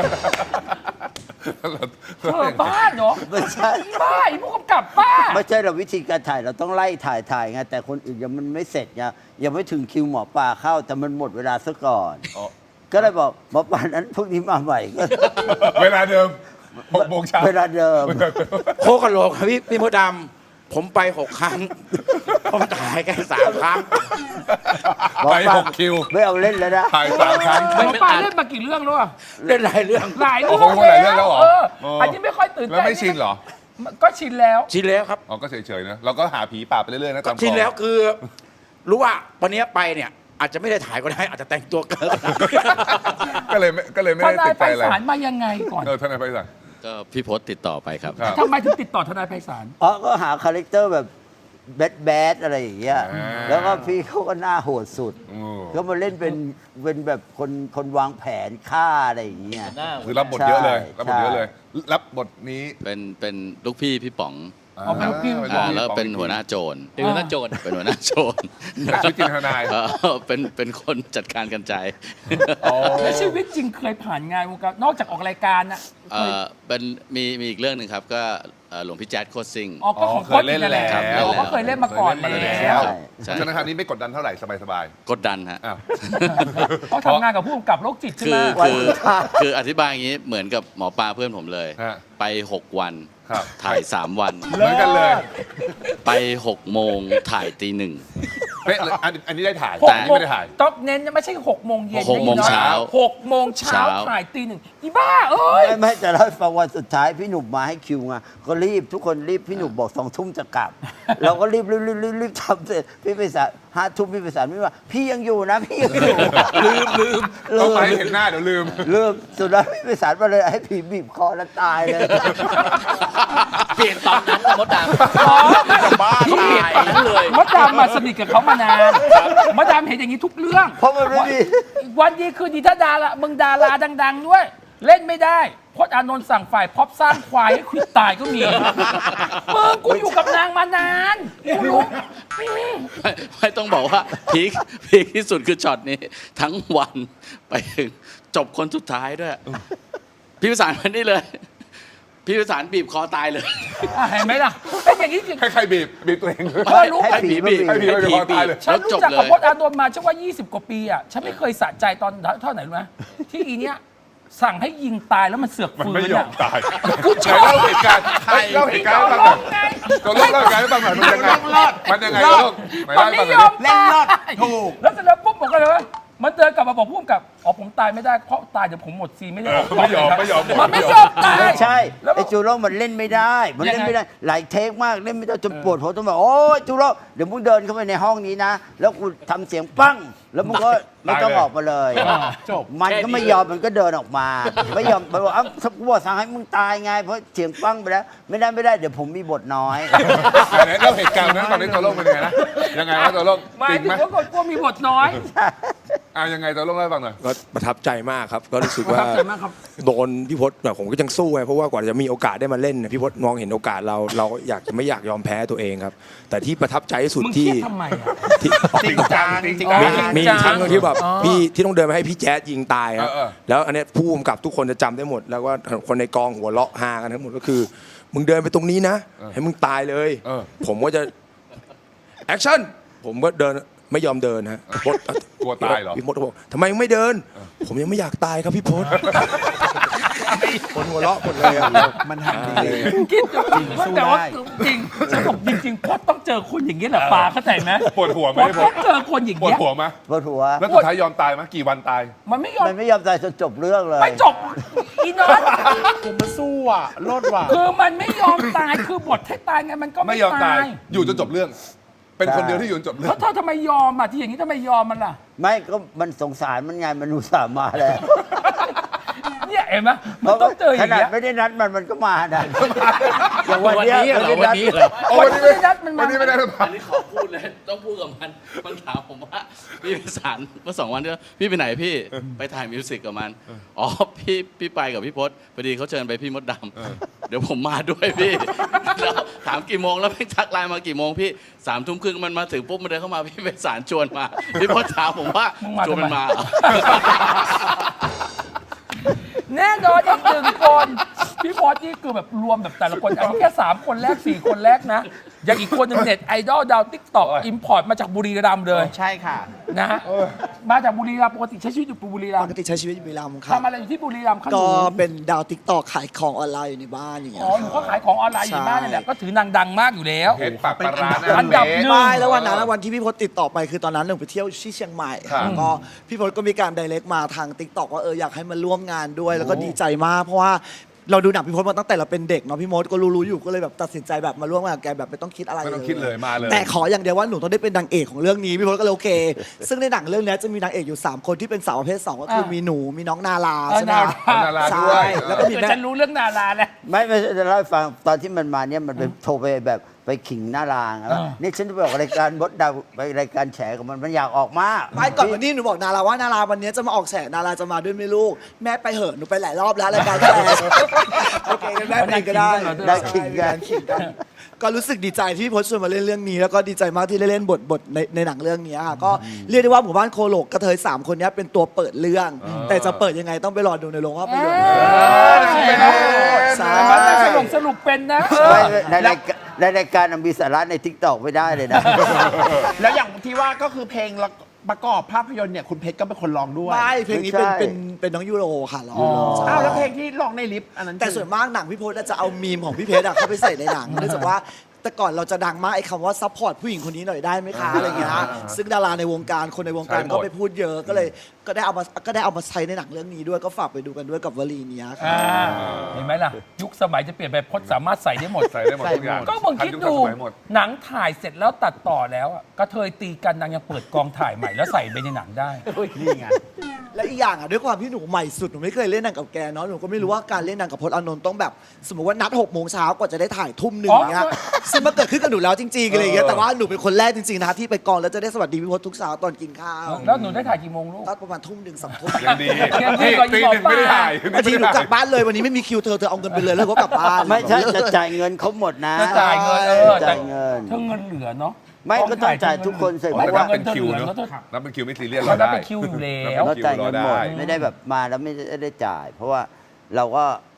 [SPEAKER 1] เธอบ้าเหรอ
[SPEAKER 4] ไม่ใช่
[SPEAKER 1] บ้าไอ้ผู้กำกับบ้า
[SPEAKER 4] ไม่ใช่เราวิธีการถ่ายเราต้องไล่ถ่ายไงแต่คนอื่นยังมันไม่เสร็จไงยังไม่ถึงคิวหมอปลาเข้าแต่มันหมดเวลาซะก่อน
[SPEAKER 2] อ๋อ
[SPEAKER 4] ก็เลยบอกหมอปลานั้นพรุ่งนี้มาใหม่ก็
[SPEAKER 2] เวลาเดิม 6 โมงเช้า
[SPEAKER 4] เวลาเดิม
[SPEAKER 6] โคกะโหลกครับพี่มดดำผมไป 6 ครั้ง ผมถ่ายแค่3 ครั้ง
[SPEAKER 2] ไป6 คิว
[SPEAKER 4] ไม่เอาเล่นแล้วนะ
[SPEAKER 2] ถ่าย3 ครั้ง
[SPEAKER 1] หมอปลาเล่นมากี่เรื่องแล้วอะ
[SPEAKER 6] เล่นหลายเรื่อง
[SPEAKER 1] หลายเรื่
[SPEAKER 2] โอ้โหหลายเรื่องแล้วเหรอ
[SPEAKER 1] อันนี้ไม่ค่อยตื่น
[SPEAKER 2] แล้ว
[SPEAKER 1] เต้น
[SPEAKER 2] ไม่ชินเหรอ
[SPEAKER 1] ก็ชินแล้ว
[SPEAKER 6] ชินแล้วครับ
[SPEAKER 2] อ๋อก็เฉยๆนะเราก็หาผีป่าไปเรื่อยๆนะตาม
[SPEAKER 6] ชิน
[SPEAKER 2] คลอง
[SPEAKER 6] แล้วคือ รู้ว่าวันนี้ไปเนี่ย อาจจะไม่ได้ถ่ายก็ได้ อาจจะแต่งตัวเกิน
[SPEAKER 2] ก็เลยไม่
[SPEAKER 1] ท
[SPEAKER 2] ได้
[SPEAKER 1] นาย
[SPEAKER 2] ติด
[SPEAKER 1] ไพ
[SPEAKER 2] ใจอะไร
[SPEAKER 1] ศาลมายังไงก่อน
[SPEAKER 2] ทนายไพศาล
[SPEAKER 7] ก็พี่พศติดต่อไปครับ
[SPEAKER 2] ครับ
[SPEAKER 1] ทำไมถึงติดต่อทนายไพศาล
[SPEAKER 4] อ๋อก็หาคาแรคเตอร์แบบแบดอะไรอย่างเงี้ย
[SPEAKER 2] อ่า
[SPEAKER 4] แล้วก็พี่เขาก็หน้าโหดสุด
[SPEAKER 2] โอ้
[SPEAKER 4] ก็มาเล่นเป็นแบบคนวางแผนฆ่าอะไรอย่างเงี้ย
[SPEAKER 2] คือรับบทเยอะเลย
[SPEAKER 4] ใช่
[SPEAKER 2] รับบทเยอะเลย รับบทนี้
[SPEAKER 7] เป็นลูกพี่พี่ป๋อง
[SPEAKER 1] เอาเป็นลูกพี่
[SPEAKER 7] แล้วเป็นหัวหน้าโจร
[SPEAKER 5] เป็นหัวหน้าโจร
[SPEAKER 7] เป็นหัวหน้าโจร
[SPEAKER 2] แต่ชีวิตจริงทนาย
[SPEAKER 7] เป็นคนจัดการกันใจ
[SPEAKER 1] แล้วชีวิตจริงเคยผ่านงานวงการนอกจากออกรายการนะ
[SPEAKER 7] เป็นมีอีกเรื่องหนึ่งครับ ก็หลวงพี่แจ๊ดโคตรซิ่ง
[SPEAKER 1] ออกก็ของ
[SPEAKER 2] เคยเล่นแล้ว
[SPEAKER 1] อ๋อก็เคยเล่นมาก่อน
[SPEAKER 2] เคยเล่นมา
[SPEAKER 1] แล้ว
[SPEAKER 7] ใช่
[SPEAKER 2] ฉะนั้นคราวนี้ไม่กดดันเท่าไหร่สบาย
[SPEAKER 7] กดดันฮะ
[SPEAKER 2] ๆอ้าว
[SPEAKER 1] เขาทำงานกับผู้กำกับโรคจิตใช่
[SPEAKER 7] คื
[SPEAKER 1] ไหม
[SPEAKER 7] คืออธิบายอย่างนี้เหมือนกับหมอปลาเพื่อนผมเลย
[SPEAKER 2] ฮะ
[SPEAKER 7] ไป 6 วัน
[SPEAKER 2] ครับ
[SPEAKER 7] ถ่าย 3 วัน
[SPEAKER 2] เหมือนกันเลย
[SPEAKER 7] ไป 6 โมงถ่ายตี 1
[SPEAKER 2] เป๊ะเลยอันนี้ได้ถ่าย
[SPEAKER 1] ห
[SPEAKER 2] แต่
[SPEAKER 1] ก
[SPEAKER 2] อัน
[SPEAKER 1] โม
[SPEAKER 2] นี้
[SPEAKER 1] ง
[SPEAKER 2] ไม่ได้ถ่าย
[SPEAKER 1] ต้องเน้นไม่ใช่6 โมงเย็น
[SPEAKER 7] 6 โมงเช้า
[SPEAKER 1] 6 โมงเช้า
[SPEAKER 7] เช้า
[SPEAKER 1] ถ่ายตี 1อีบ้าเอ้ย
[SPEAKER 4] ไม่แต่แล้วฟังวันสุดท้ายพี่หนุ่มมาให้คิวไงก็รีบทุกคนรีบพี่หนุ่มบอก2 ทุ่มจะกลับ เราก็รีบทำเสร็จพี่ไปสาร5 ทุ่มพี่ไปสารไม่ว่า พี่ยังอยู่นะพี่ยังอยู่ ลืม
[SPEAKER 2] ต้องไปให้เห็นหน้าเดี๋ยวลืม
[SPEAKER 4] สุดท้ายพี่ไปสารมาเลยให้ผีบีบคอแล้วตายเลย
[SPEAKER 5] เปลี่ยนตอนนั้นนะมดดำ
[SPEAKER 3] บ้า
[SPEAKER 5] เขาเปลี่ยน
[SPEAKER 3] ตาย
[SPEAKER 5] ตอนนั้นเลย
[SPEAKER 1] มดดำมาสนิทกับเขามานานมดดำเห็นอย่างนี้ทุกเรื่อง
[SPEAKER 4] เพราะมันไม่มี
[SPEAKER 1] วันดีคืนดีถ้าดารามึงดาราดัง ๆ ด้วย เล่นไม่ได้พจน์อานนท์สั่งฝ่ายพ็อปสร้างควายให้ควิดตายก็มีมึงกูอยู่กับนางมานานกูรู้
[SPEAKER 7] ไม่ต้องบอกว่าพีคที่สุดคือช็อตนี้ ทั้งวันไปถึงจบคนสุดท้ายด้วย พี่ประสานมานี่เลยพี่วิสารบีบคอตายเลย
[SPEAKER 1] เห็นไหมล่ะเป็นอย่างนี้จริง
[SPEAKER 2] ให้ใครบีบตัวเอง
[SPEAKER 1] เธอรู้ไหม
[SPEAKER 4] ให้ผีมาบีบ
[SPEAKER 2] ให้ผีมาบีบคอตายเลย
[SPEAKER 1] ฉันรู้จักกับพจน์อานนท์มาฉันว่า 20 กว่าปีอ่ะฉันไม่เคยสะใจตอนเท่าไหร่รู้ไหมที่อีเนี้ยสั่งให้ยิงตายแล้วมันเสือก
[SPEAKER 2] มัน
[SPEAKER 1] ฟื้
[SPEAKER 2] ไม่
[SPEAKER 1] น
[SPEAKER 2] ยอ
[SPEAKER 1] อ่ะ
[SPEAKER 2] มตาย
[SPEAKER 1] กูชอบ
[SPEAKER 2] ไหนเล่าเหตุการณ์เล่าเหตุการณ์ให้ฟังหน่อย
[SPEAKER 1] ไง
[SPEAKER 2] ตัวเล่าเหตุการณ์ให้ฟังหน่อยมันยังไงมันยังไงตัวลูกไหน
[SPEAKER 1] มั
[SPEAKER 2] เล่าน ให้
[SPEAKER 1] ไม่
[SPEAKER 2] ฟังห
[SPEAKER 1] ย
[SPEAKER 2] น่
[SPEAKER 1] อ
[SPEAKER 2] อย
[SPEAKER 1] มตายถูกแล้วเสร็จแล้วปุ๊บบอกกันเลยว่ามันเดินกลับมาบอกพุ่มกับผมตายไม่ได้เพราะตายเดี๋ยวผมหมดซีนไม่ได้
[SPEAKER 2] ไม่ยอม
[SPEAKER 1] มันไม่ยอมตาย
[SPEAKER 4] ไม่ใช่
[SPEAKER 1] แล้ว
[SPEAKER 4] ไอ้จูโร่มันเล่นไม่ได้ มันเล่นไม่ได้ หลายเทคมากเล่นไม่ได้จนปวดหัวต้องแบบโอ้ยจูโร่เดี๋ยวมึงเดินเข้าไปในห้องนี้นะ แล้วกูทำเสียงปั้ง แล้วมึงก็ไม่ต้องออกมาเลยจบมันก็ไม่ยอมมันก็เดินออกมา ไม่ยอมมันบอกถ้ากูบอกสั่งให้มึงตายไงเพราะเสียงปั้งไปแล้ว ไม่ได้เดี๋ยวผมมีบทน้อย
[SPEAKER 2] ไหนเล่าเหตุการณ์นั้นตอนนี้ตัวลูกเป็นยังไงนะยังไงนะตัวลูก
[SPEAKER 1] หมาย
[SPEAKER 2] จริง
[SPEAKER 1] ถึ
[SPEAKER 2] ไหม
[SPEAKER 1] งว่ากลัวมีบทน้อย
[SPEAKER 2] ยังไงตัวลูกเล่าให้ฟังหน่อย
[SPEAKER 8] ก็ประทับใจมากครับ ก็รู้สึก
[SPEAKER 1] ประ
[SPEAKER 8] ว่า
[SPEAKER 1] ทับใจมากครับ
[SPEAKER 8] โดนพี่พศแบบผมก็ยังสู้ไงเพราะว่ากว่าจะมีโอกาสได้มาเล่นเนี่ยพี่พศมองเห็นโอกาสเราก็ไม่อยากยอมแพ้ตัวเองครับ แต่ที่ประทับใจที่สุด
[SPEAKER 1] มึงเครี
[SPEAKER 8] ที่
[SPEAKER 1] ยดทำไมอ่ะ
[SPEAKER 8] ที่
[SPEAKER 3] จริงจังจริง
[SPEAKER 1] อ๋อ
[SPEAKER 3] จัง
[SPEAKER 8] มีครั้งหนึงที่แบบพี่ที่ต้องเดินมาให้พี่แจ๊ดยิงตายครับ
[SPEAKER 2] เออ
[SPEAKER 8] แล้วอันเนี้ยผู้กำกับทุกคนจะจำได้หมด แล้วก็คนในกองหัวเราะฮากันทั้งหมดก็คือ มึงเดินไปตรงนี้นะ ให้มึงตายเลย ผมก็จะแอคชั่นผมก็เดินไม่ยอมเดินฮะพี่พศ
[SPEAKER 2] กลัวตายเหรอ
[SPEAKER 8] พี่พศบอกทำไมมึงไม่เดิน ผมยังไม่อยากตายครับพี่พศคนหัวเราะหมดเลยอะ
[SPEAKER 3] มันทำดี
[SPEAKER 1] คิดอยู่แต่ว่าจริงฉันบอกจริงๆพจน์ต้องเจอคนอย่างนี้แหละปาเข้าใจไหม
[SPEAKER 2] ปวดหัวไหม
[SPEAKER 1] พจน์ต้องเจอคนอย่าง
[SPEAKER 2] ปวด
[SPEAKER 1] เงี้ย
[SPEAKER 2] หัวไหม
[SPEAKER 4] ปวดหัว
[SPEAKER 2] แล้วสุดท้ายยอมตายไหมกี่วันตาย
[SPEAKER 1] มันไม่ยอม
[SPEAKER 4] มันไม่ยอมตายจนจบเรื่องเลย
[SPEAKER 1] ไม่จบอีนอต
[SPEAKER 3] ผมมาสู้อ่ะโลดว่ะ
[SPEAKER 1] คือมันไม่ยอมตายคือบทให้ตายไงมันก็
[SPEAKER 2] ไม่
[SPEAKER 1] ไม่
[SPEAKER 2] ยอมตา
[SPEAKER 1] ตาย ย
[SPEAKER 2] อยู่จนจบเรื่อง เป็นคนเดียวที่อยู่จนจบเรื่อ
[SPEAKER 1] แล้
[SPEAKER 2] ง
[SPEAKER 1] วเธอทำไมยอมอ่ะที่อย่างนี้ทำไมยอมมันล่ะ
[SPEAKER 4] ไม่ก็มันสงสารมันไงมันอุตส่าห์มาแล้ว
[SPEAKER 1] เนี่ยเห็นไหมมันต้องเจออ
[SPEAKER 4] ข
[SPEAKER 1] ย่าง
[SPEAKER 4] นาด
[SPEAKER 1] เงี้ย
[SPEAKER 4] ไม่ได้นัดมันก็มานะอย่างวันเนี้ย
[SPEAKER 7] วันนี้เหรอ
[SPEAKER 4] ไม่ได้นัด
[SPEAKER 7] วันนี้เหรอ
[SPEAKER 2] โอ้วันนี้
[SPEAKER 1] ไม่ได้นัดมันมา
[SPEAKER 2] วันนี้ไม่ได้หรือเปล่า
[SPEAKER 7] อันนี้ขอพูดเลย ต้องพูดกับมัน มันถามผมว่า พี่วิสารเมื่อ2 วันที่แล้วพี่ไปไหนพี่ ไปถ่ายมิวสิกกับมัน อ๋อ พี่ไปกับพี่พศพอดีเขาเชิญไปพี่มดดำเดี๋ยวผมมาด้วยพี่ แล้วถามกี่โมงแล้วพี่ทักไลน์มากี่โมงพี่3 ทุ่มครึ่งมันมาถึงปุ๊บมันเดินเข้ามาพี่วิสารชวนมา พี่พศถามผมว่า
[SPEAKER 1] มึงมา
[SPEAKER 7] ชวนมัน
[SPEAKER 1] ทำไม
[SPEAKER 7] มาเหรอ
[SPEAKER 1] แน่นอนอีกหนึ่งคนพี่พอสนี่คือแบบรวมแบบแต่ละคนอันนี้แค่3 คนแรก 4 คนแรกนะอย่างอีกคนหนึ่งเน็ตไอดอลดาวติ๊กต็อกอิมพอร์ตมาจากบุรีรัมย์เลย
[SPEAKER 3] ใช่ค่ะ
[SPEAKER 1] นะฮะมาจากบุรีรัมย์ปกติใช้ชีวิตอยู่บุรีรั
[SPEAKER 9] ป
[SPEAKER 1] ม
[SPEAKER 9] ก
[SPEAKER 1] ย์
[SPEAKER 9] ติใช้ชีวิตอยู่บุรีรัมย์ครับ
[SPEAKER 1] ทำอะไรอยู่ที่บุรีรัมย์ครับห
[SPEAKER 9] ก็
[SPEAKER 1] นู
[SPEAKER 9] เป็นดาวติ๊กตอกขายของออนไลน์อยู่ในบ้านอย่างเงี้ย
[SPEAKER 1] อ๋อหนูก็ขายของออนไลน์อยู่บ้านนี่แหละก็ถือนางดังมากอยู่แล้ว
[SPEAKER 2] เห็นปากปลาร้าห
[SPEAKER 1] อั
[SPEAKER 2] น้าน
[SPEAKER 1] ดับ
[SPEAKER 2] เม
[SPEAKER 1] หนึ่
[SPEAKER 2] ส
[SPEAKER 1] ง
[SPEAKER 9] ไม่แล้ววันนั้นวันที่พี่พศติดต่อไปคือตอนนั้นหนูไปเที่ยวที่เชียงใหม่
[SPEAKER 2] ครับ
[SPEAKER 9] แล้วก็พี่พศก็มีการไดเรกมาทางติ๊กตอกว่าอยากให้มาร่วมงานด้วย แล้วก็ดีใจมากเพราะว่าเราดูหนังพี่พศมาตั้งแต่เราเป็นเด็กเนาะพี่มดก็รู้อยู่ก็เลยแบบตัดสินใจแบบมาร่วมงานกับแกแบบไม่ต้องคิดอะไร
[SPEAKER 2] ไม่ต้องคิดเลยมาเลย
[SPEAKER 9] แต่ขออย่างเดียวว่าหนูต้องได้เป็นนางเอกของเรื่องนี้พี่พศก็เลยโอเค ซึ่งในหนังเรื่องนี้จะมีนางเอกอยู่3 คนที่เป็นสาวประเภท2ก็คือมีหนูมีน้องนาราใช่ไหมคะ
[SPEAKER 2] นารา
[SPEAKER 9] ใช่
[SPEAKER 2] ด้วย
[SPEAKER 9] แล้วก็มี
[SPEAKER 1] เดี๋ยว
[SPEAKER 9] แม่
[SPEAKER 1] ฉันรู้เรื่องนาราแล้ว
[SPEAKER 4] ไม่จะเล่าให้ฟังตอนที่มันมาเนี่ยมันไปโทรไปแบบไปขิงหน้ารางว่านี่ฉันจะไปออกรายการบดดาวไปรายการแฉกับมันอยากออกมาก
[SPEAKER 9] ไม่ก่อนวันนี้หนูบอกนาราว่านาราวันนี้จะมาออกแฉนาราจะมาด้วยไหม่ลูกแม่ไปเหอะหนูไปหลายรอบแล้วรายการแฉโอเคงั้นแม่ไปก็ได้
[SPEAKER 4] ได้ขิงกัน
[SPEAKER 9] ขิงกันก็รู้สึกดีใจที่พี่พจน์ชวนมาเล่นเรื่องนี้แล้วก็ดีใจมากที่ได้เล่นบทในหนังเรื่องนี้ค่ะก็เรียกได้ว่าหมู่บ้านโคโลกกระเทย3 คนนี้เป็นตัวเปิดเรื่อง แต่จะเปิดยังไงต้องไปรอดูในโรงภาพยนตร์ใช่
[SPEAKER 1] มันจะสรุปเป็นนะ
[SPEAKER 4] ไม่ในรายการมีสาระในทิกตอกไม่ได้เลยนะ
[SPEAKER 3] แล้วอย่างที่ว่าก็คือเพลงประกอบภาพยนตร์เนี่ยคุณเพชรก็เป็นคนร้องด้วย
[SPEAKER 9] ไม่เพลงนี้
[SPEAKER 4] ไม่ใช่
[SPEAKER 9] เป็นน้องยูโรค่ะร้อง
[SPEAKER 3] อ้าวแล้วเพลงที่ร้องในลิฟต์อันนั้น
[SPEAKER 9] แต่ส่วนมากหนังพี่พจน์จะเอามีมของพี่เพชรเข้าไปใส่ในหนังเนื่องจากว่าแต่ก่อนเราจะดังมากไอ้คำว่าซัพพอร์ตผู้หญิงคนนี้หน่อยได้ไหมคะอะไรเงี้ยซึ่งดาราในวงการคนในวงการก็ไปพูดเยอะก็เลยก็ได้เอามาใช้ในหนังเรื่องนี้ด้วยก็ฝากไปดูกันด้วยกับวลีนี้ค่ะ
[SPEAKER 1] เห็นไหมล่ะ ยุคสมัยจะเปลี่ยนไปพจน์สามารถใส่ได้หมด
[SPEAKER 2] ใส่ได้หมดทุกอย่าง
[SPEAKER 1] ก็มึงคิดดู
[SPEAKER 2] ทันยุคทันสมัยหมด
[SPEAKER 1] หนังถ่ายเสร็จแล้วตัดต่อแล้วอะกระเทยตีกันนางยังเปิดกองถ่ายใหม่แล้วใส่ไปในหนังได้
[SPEAKER 3] นี่ไง
[SPEAKER 9] และอีกอย่างด้วยความที่หนูใหม่สุดหนูไม่เคยเล่นหนังกับแกเนาะหนูก็ไม่รู้ว่าการเล่นหนังกับพจน์อานนท์ต้องแบบ สมมติว่านัด6 โมงเช้ากว่าจะได้ถ่ายทุ่มหนึ่งอย่างเงี้ยซึ่งมันเกิดขึ้นกับหนูแล้วจริงๆอะไรอย่างเงี้ยแต่ว่าหนูเป็นคนแรกจริงๆนะที่ไปกองแล้วจะได้สวัสดีพี่พจน์ทุกเช้าตอนกินข้าว
[SPEAKER 1] แล้วหนูได้ถ่ายกี่โมงลูก
[SPEAKER 9] ตอนประมาณทุ่มหนึ่ง2 ทุ่ม
[SPEAKER 2] ยังดี
[SPEAKER 1] ยังดี
[SPEAKER 2] นี่
[SPEAKER 1] กว่าอี
[SPEAKER 2] ตี
[SPEAKER 1] หมอ
[SPEAKER 2] หนึ่งไม่ได้ถ่าย
[SPEAKER 9] บางทีหนูกลับบ้านเลยวันนี้ไม่มีคิวเธอเอาเงินไปเลยแล้วก็กลับบ้าน
[SPEAKER 4] ไม่ใช่จะจ่ายเงินเขาหมดนะ
[SPEAKER 1] จะจ่ายเงินแต่
[SPEAKER 4] จ่ายเงิน
[SPEAKER 1] เธอเงินเหลือเนาะ
[SPEAKER 4] ไม่ก็ต้องจ่ายทุกคนเสร็จ
[SPEAKER 1] ไม่
[SPEAKER 4] เพราะ
[SPEAKER 1] ว่า
[SPEAKER 4] ว่า
[SPEAKER 1] เงินเธอเหลือเนอะ
[SPEAKER 2] นับเป็นคิวไม่ซีเรียส
[SPEAKER 1] เรา
[SPEAKER 2] เรา
[SPEAKER 1] ได้
[SPEAKER 2] ได้
[SPEAKER 1] เป็นคิวอยู่แล้ว
[SPEAKER 4] เราจ่ายเงินหมด
[SPEAKER 2] ได้
[SPEAKER 4] ไม่ได้แบบมาแล้วไม่ได้จ่าย เพราะว่าเราก็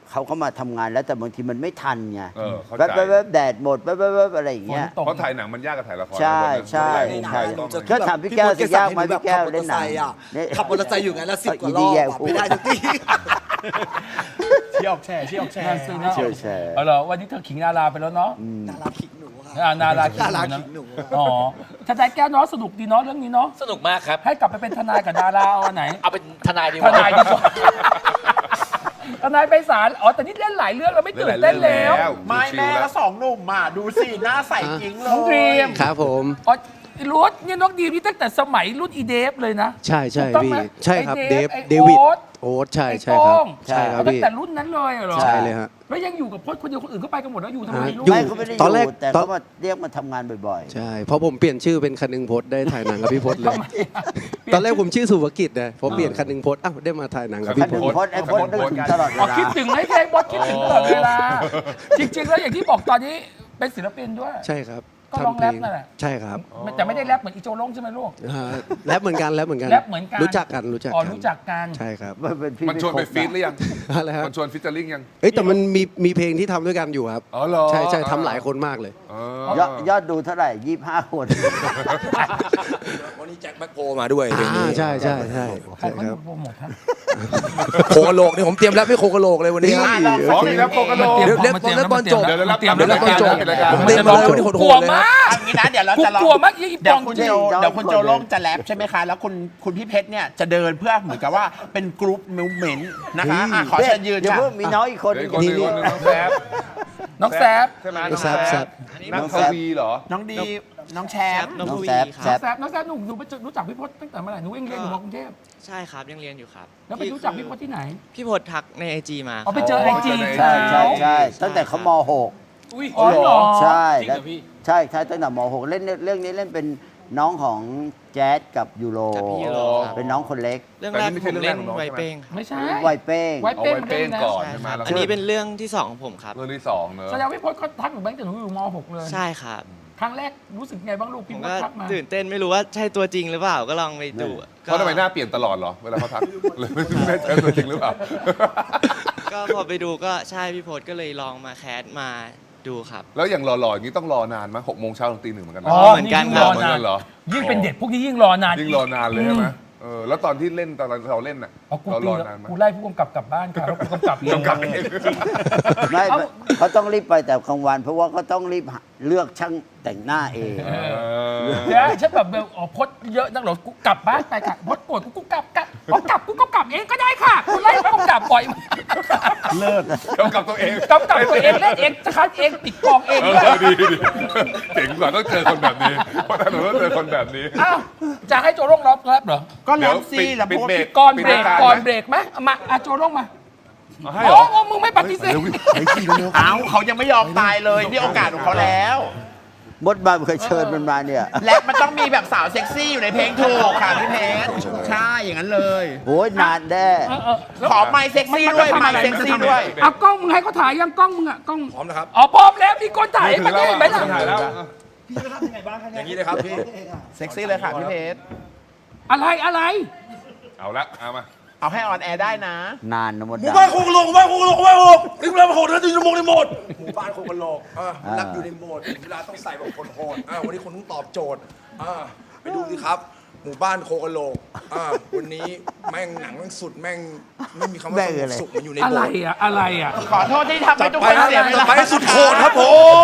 [SPEAKER 4] เขาก็มาทำงานแล้วแต่บางทีมันไม่ทันไง
[SPEAKER 2] เข้าใจ
[SPEAKER 4] แป๊บๆแดดหมดแป๊บๆอะไรอย่าง
[SPEAKER 1] ฝน
[SPEAKER 4] เงี้ย
[SPEAKER 1] ตก
[SPEAKER 2] เพราะถ่ายหนังมันยากกับถ่ายละคร
[SPEAKER 4] ใช่ใช่
[SPEAKER 2] มุม
[SPEAKER 4] ใช่
[SPEAKER 2] ถ่ายต้อง
[SPEAKER 4] ก็ถามพี่แก้วสิยากไหมพี่แก้วเล่นหนัง
[SPEAKER 9] ขับมอเตอร์ไซค์อยู่ไงแล้ว10 กว่าร
[SPEAKER 4] ดี
[SPEAKER 9] อบ
[SPEAKER 4] แย่
[SPEAKER 9] อะ
[SPEAKER 4] พูด
[SPEAKER 9] ไม่ได้ทุกที
[SPEAKER 3] เชี่ยวแชร์เชี่ยวแชร์
[SPEAKER 1] น่าซื้อนะ
[SPEAKER 4] เชี่ยวแชร์
[SPEAKER 1] เอาเหรอวันนี้เธอขิงดาราไปแล้วเนาะ
[SPEAKER 9] ดาราขิงหนูค่ะ
[SPEAKER 1] นาราขิง
[SPEAKER 9] ดารา
[SPEAKER 1] หนู
[SPEAKER 9] ขิงหนู
[SPEAKER 1] นะอ๋อทนายแก้วเนาะสนุกดีเนาะเรื่องนี้เนาะ
[SPEAKER 5] สนุกมากครับ
[SPEAKER 1] ให้กลับไปเป็นทนายกับดาราเอาอันไหน
[SPEAKER 5] เอาเป็นทนายดีก
[SPEAKER 1] ท
[SPEAKER 5] ว่า
[SPEAKER 1] นายดีกว่าทนายไปศาลอ๋อแต่นี่เล่นหลายเรื่องแล้วไม่ตื่นเต้นแล้ว
[SPEAKER 3] ไม่แม่แล้วสองหนุ่มอ่ะดูสิหน้าใสจริงเล
[SPEAKER 1] น้องดรี
[SPEAKER 3] ย
[SPEAKER 1] ม
[SPEAKER 10] ครับผม
[SPEAKER 1] อ๋อรุดเนี่ยน้องดีมนี่ตั้งแต่สมัยรุ่นอีเดฟเลยนะ
[SPEAKER 10] ใช่ใช่
[SPEAKER 1] ถูกต้อง
[SPEAKER 10] พี่
[SPEAKER 1] ไหม
[SPEAKER 10] ใช่ครับ
[SPEAKER 1] ไอ้
[SPEAKER 10] เดฟ
[SPEAKER 1] ไอ้
[SPEAKER 10] เดวิด
[SPEAKER 1] โอ๊ต
[SPEAKER 10] โอ๊ตใช่
[SPEAKER 1] ไอ้
[SPEAKER 10] ใช่ครับ
[SPEAKER 1] โต้ง
[SPEAKER 10] ใช่ครับ
[SPEAKER 1] ตั้ง
[SPEAKER 10] พี่
[SPEAKER 1] แต่รุ่นนั้นเลยเหรอ
[SPEAKER 10] ใช่เลยฮะ
[SPEAKER 1] แล้วยังอยู่กับพจน์คนเดียวคนอื่นก็ไปกันหมดแล้วอยู่ทำไม
[SPEAKER 10] อ่า
[SPEAKER 1] ลูก
[SPEAKER 10] อยู่
[SPEAKER 4] ไม่เขาไม่ได้อ
[SPEAKER 10] ตอนแรก
[SPEAKER 4] ยู่แต่
[SPEAKER 10] ตอน
[SPEAKER 4] เขามาเรียกมาทำงานบ่อย
[SPEAKER 10] ใช่เพราะผมเปลี่ยนชื่อเป็นคนึงพจน์ได้ถ่ายหนังกับพี่พจน์เลย
[SPEAKER 1] ทำไมอะ
[SPEAKER 10] ตอนแรกผมชื่อสุภกิจนะพอเปลี่ยนคนึงพจน์อ้าวได้มาถ่ายหนังกับ
[SPEAKER 4] ๆ
[SPEAKER 10] พี่
[SPEAKER 4] คันหนึ่ง
[SPEAKER 10] พจน์
[SPEAKER 4] พจน์ไอ้พจน์นึกถึงตลอดเว
[SPEAKER 1] อ๋อ
[SPEAKER 4] ลา
[SPEAKER 1] คิดถึงให้เพลงบอสคิดถึงตลอดเวลา จริง ๆ แล้วอย่างที่บอกตอนนี้เป็นศิลปินด้วย
[SPEAKER 10] ใช่ครับ
[SPEAKER 1] ก็ร้อง
[SPEAKER 10] ทำเพลง
[SPEAKER 1] แรปนั่นแหละ
[SPEAKER 10] ใช่ครับ
[SPEAKER 1] แต่ไม่ได้แรปเหมือนอีโจลงใช่ไหมลูก
[SPEAKER 10] แรปเหมือนกันแรปเหมือนกัน
[SPEAKER 1] แรปเหมือนกัน
[SPEAKER 10] รู้จักกันรู้จัก
[SPEAKER 1] อ๋อ
[SPEAKER 10] กัน
[SPEAKER 1] รู้จักกัน
[SPEAKER 10] ใช่ครับ
[SPEAKER 4] มันเป็นพี่
[SPEAKER 2] มันชวนไปฟีดหรือยัง
[SPEAKER 10] อะไรฮะ
[SPEAKER 2] มันชวนฟิชเจอริ่งยัง
[SPEAKER 10] เอ้ยแต่มันมีเพลงที่ทำด้วยกันอยู่ครับ
[SPEAKER 2] อ๋อเหรอ
[SPEAKER 10] ใช่ใช่ทำหลายคนมากเลย
[SPEAKER 4] ยอดดูเท่าไหร่ 25 คน
[SPEAKER 8] วันนี้แจ็คแบ็คโพมาด้วยเพลงนี้
[SPEAKER 10] ใช่ใช่ใช่
[SPEAKER 1] ใคร
[SPEAKER 10] ใช่
[SPEAKER 1] เขา
[SPEAKER 10] ครับ
[SPEAKER 1] โปรโมทฮะ
[SPEAKER 8] โคกะโหลกนี่ผมเตรียมแล้วไม่โคกะโหลกเลยวันนี้
[SPEAKER 2] อ๋อมีแล้วโคกะโหลก
[SPEAKER 8] เดี๋ยวเล่นบอลจบ
[SPEAKER 2] เดี๋ยวรับ
[SPEAKER 1] เตรียม
[SPEAKER 2] เดี๋ยวรับ
[SPEAKER 8] เดี๋ยวรับ
[SPEAKER 2] จบรายการ
[SPEAKER 8] ผมเตรียมมาเลยวันนี้โหดๆ
[SPEAKER 1] กลัว
[SPEAKER 8] เลย
[SPEAKER 1] มาก
[SPEAKER 3] อันนี้นะเดี๋ยวเรา
[SPEAKER 1] กู
[SPEAKER 3] จะลอง
[SPEAKER 1] กลัวมากยี่
[SPEAKER 3] เดี๋ยว
[SPEAKER 1] ปอง
[SPEAKER 3] คุณ
[SPEAKER 1] จริ
[SPEAKER 3] โจ
[SPEAKER 1] ง
[SPEAKER 3] เดี๋ยวคุณโจโล่งจะแรปใช่ไหมคะ แล้วคุณพี่เพชรเนี่ยจะเดินเพื่อเหมือนกับว่าเป็นกรุ๊ปมิวเมนต์นะคะอ่ะขอเชิญยืน
[SPEAKER 4] เดี๋ยว
[SPEAKER 3] ค่ะ
[SPEAKER 4] เพิ่งมีน้องอีกคน
[SPEAKER 2] เดี๋ยวอีกคนหนึงคนหนึงน้องแซฟ
[SPEAKER 1] น้องแซฟ
[SPEAKER 2] ใช่ไหม
[SPEAKER 10] น้องแซฟ
[SPEAKER 2] นักทวีเหรอ
[SPEAKER 3] น้องดีน้องแชมป์
[SPEAKER 4] น้องแซฟ
[SPEAKER 1] น้องแซฟน้องแซฟหนูไปรู้จักพี่พจน์ตั้งแต่เมื่อไหร่หนูเองเรียนอยู่มกรุงเทพ
[SPEAKER 11] ใช่ครับ ยังเรียนอยู่ครับ
[SPEAKER 1] แล้วไปรู้จักพี่พจน์ที่ไหน
[SPEAKER 11] พี่พจน์ทักในไอจีมา
[SPEAKER 1] อ๋อไปเจอไอจี
[SPEAKER 4] ใช่ใช่ใช่ตั้งแต่เขาม
[SPEAKER 5] อุ้ย
[SPEAKER 1] อ๋อเหรอ
[SPEAKER 4] .6 ใช่
[SPEAKER 5] จริงเหรอพี่
[SPEAKER 4] ใช่ใช่ตั้งแต่ม .6 เล่นเรื่องนี้เล่นเป็นน้องของแจ๊ดกับยูโร
[SPEAKER 11] กับพี่ยูโรครับ
[SPEAKER 4] เป็นน้องคนเล็ก
[SPEAKER 11] เรื่อง
[SPEAKER 2] แต่
[SPEAKER 11] แร
[SPEAKER 2] นี่
[SPEAKER 11] ก
[SPEAKER 2] ไม่
[SPEAKER 11] ผ
[SPEAKER 2] ใช่
[SPEAKER 11] ม
[SPEAKER 2] เรื่องแร
[SPEAKER 11] เล่
[SPEAKER 2] ก
[SPEAKER 11] น
[SPEAKER 2] ของน้อง
[SPEAKER 11] ไว
[SPEAKER 2] ใช่ไหม
[SPEAKER 11] เป้ง
[SPEAKER 1] ไม่ใช่
[SPEAKER 4] ไวเป้ง
[SPEAKER 1] ไว
[SPEAKER 2] เอา
[SPEAKER 1] เป้ง
[SPEAKER 2] ไว้เป้ง
[SPEAKER 1] นะ
[SPEAKER 2] ก่อน
[SPEAKER 11] ใช่
[SPEAKER 2] ใช่ไหม
[SPEAKER 11] ครับ
[SPEAKER 2] แล้ว
[SPEAKER 11] อันนี้เป็นเรื่องที่สองของผมครับ
[SPEAKER 2] เรื่องที่สองเนอะ
[SPEAKER 1] แสดงว่าพี่พจน์เขาทักหนูตั้งแต่หนูอยู่ม .6 เลย
[SPEAKER 11] ใช่ครับ
[SPEAKER 1] ครั้งแรกรู้สึกไงบ้างลูก
[SPEAKER 11] ผ
[SPEAKER 1] พี่
[SPEAKER 11] ม
[SPEAKER 1] พจ
[SPEAKER 11] ก็
[SPEAKER 1] น์ทักมา
[SPEAKER 11] ตื่นเต้นไม่รู้ว่าใช่ตัวจริงหรือเปล่าก็ลองไปดู
[SPEAKER 2] เพราะทำไมหน้าเปลี่ยนตลอดเหรอ เวลาเขาทักเลยไม่ใช่ตัวจริงหรือเปล่า
[SPEAKER 11] ก็พอไปดูก็ใช่พี่พจน์ก็เลยลองมาแคสมาดูครับ
[SPEAKER 2] แล้วอย่างหล่อๆอย่างนี้ต้องรอนานมั้ย6 โมงเช้าถึงตี 1เหมือนกันนะ
[SPEAKER 1] อ๋อ
[SPEAKER 11] เหมือนกัน
[SPEAKER 1] ยิ่ง
[SPEAKER 11] ครั
[SPEAKER 1] ร
[SPEAKER 11] บ
[SPEAKER 1] อนาน
[SPEAKER 2] เหรอ
[SPEAKER 1] ยิ่งเป็นเด็กพวกนี้ยิ่งรอนาน
[SPEAKER 2] ยิ่งรอนานเลยใช่ไหมแล้วตอนที่เล่นตอนเราเล่นน่ะ
[SPEAKER 1] เอากู
[SPEAKER 2] เรา
[SPEAKER 1] ตี
[SPEAKER 2] รอนานไหม
[SPEAKER 1] กูไล่ผู้กำกับกลับบ้านค่ะแล้วกูกำกับเอง
[SPEAKER 2] กำกับเอง
[SPEAKER 4] ไม่เขาต้องรีบไปแต่กลางวัน เพราะว่าเขาต้องรีบเลือกช่างแต่งหน้าเอง
[SPEAKER 1] เดี๋ยวฉันแบบอ๋อพดเยอะนักเหรอกูกลับบ้านไปค่ะพดโกรธกูกลับพอกลับกูก็กลับเองก็ได้ค่ะกูไล่ผู้กำกับบ่อยมาก
[SPEAKER 3] เลิศ
[SPEAKER 2] กำกับตัวเอง
[SPEAKER 1] กำกับตัวเองเล่นเองคัดเองปิดกองเองด้วย
[SPEAKER 2] ดีเจ๋งกว่าต้องเจอคนแบบนี้เพราะถนนต้องเจอคนแบบนี้
[SPEAKER 1] อ้าวจะให้โจโร่งรับเหรอ
[SPEAKER 3] ก็แรปซี่แล้ว
[SPEAKER 2] ปิด
[SPEAKER 3] พวก
[SPEAKER 2] เบรก
[SPEAKER 1] ก่อนเบรก
[SPEAKER 2] ปิดายา
[SPEAKER 1] ก่อน
[SPEAKER 2] ไหม
[SPEAKER 1] เบรกไหมเอามาโจโร่งมา
[SPEAKER 2] เอาให้เหรอ
[SPEAKER 1] โอ้มึงไม่ปฏิเสธ
[SPEAKER 3] เอ้าเขายังไม่ยอมตายเลยนี่โอกาสของเขาแล้ว
[SPEAKER 4] มดบานเคยเชิญมันมาเนี่ย
[SPEAKER 3] และมันต้องมีแบบสาวเซ็กซี่อยู่ในเพลงถูกค่ะพี่เพชรใช่อย่างนั้นเลย
[SPEAKER 4] โอ้ยนานแน่
[SPEAKER 3] ขอไมค์เซ็กซี่ด้วยไมค์เซ็กซี่ด้วย
[SPEAKER 1] เอากล้องมึงให้เขาถ่ายยังกล้องมึงอะกล้อง
[SPEAKER 8] พร้อมนะครับ
[SPEAKER 1] อ๋อพร้อมแล้วมีคนถ่ายให้มันได้ไหมล่ะ
[SPEAKER 2] ถ่ายแล้ว
[SPEAKER 8] อย่างนี้เลยครับพี่
[SPEAKER 3] เซ็กซี่เลยค่ะพี่เพชร
[SPEAKER 1] อะไร
[SPEAKER 2] เอาละเอามา
[SPEAKER 3] เอาให้ออนแอร์ได้นะ
[SPEAKER 4] นานนะมด
[SPEAKER 8] หมู่
[SPEAKER 4] ดำ
[SPEAKER 8] บ้านโคกะโหลกหมู่บ้านโคกะโหลกหมู่บ้านโคกะโหลกนี่เวลาโหดนะชั่วโมงในโหมดหมู่บ้านโคกะโหลกรักอยู่ในโหมดเวลาต้องใส่แบบคนโหดวันนี้คนต้องตอบโจทย์ไปดูสิครับ หมู่บ้านโคกะโหลกวันนี้แม่งหนังแม่งสุดแม่งไม่มีคำว่าสงบสุขมันอยู่ใน
[SPEAKER 1] อะ
[SPEAKER 8] โบ
[SPEAKER 1] ไร
[SPEAKER 8] สถ์
[SPEAKER 1] อะอะไรอะ
[SPEAKER 3] ขอโทษที่ทำให้ทุก
[SPEAKER 8] ไป
[SPEAKER 3] คน
[SPEAKER 8] นะ
[SPEAKER 3] เสียเว
[SPEAKER 8] ต่อ
[SPEAKER 3] ลา
[SPEAKER 8] ไปสุดโหดครับผม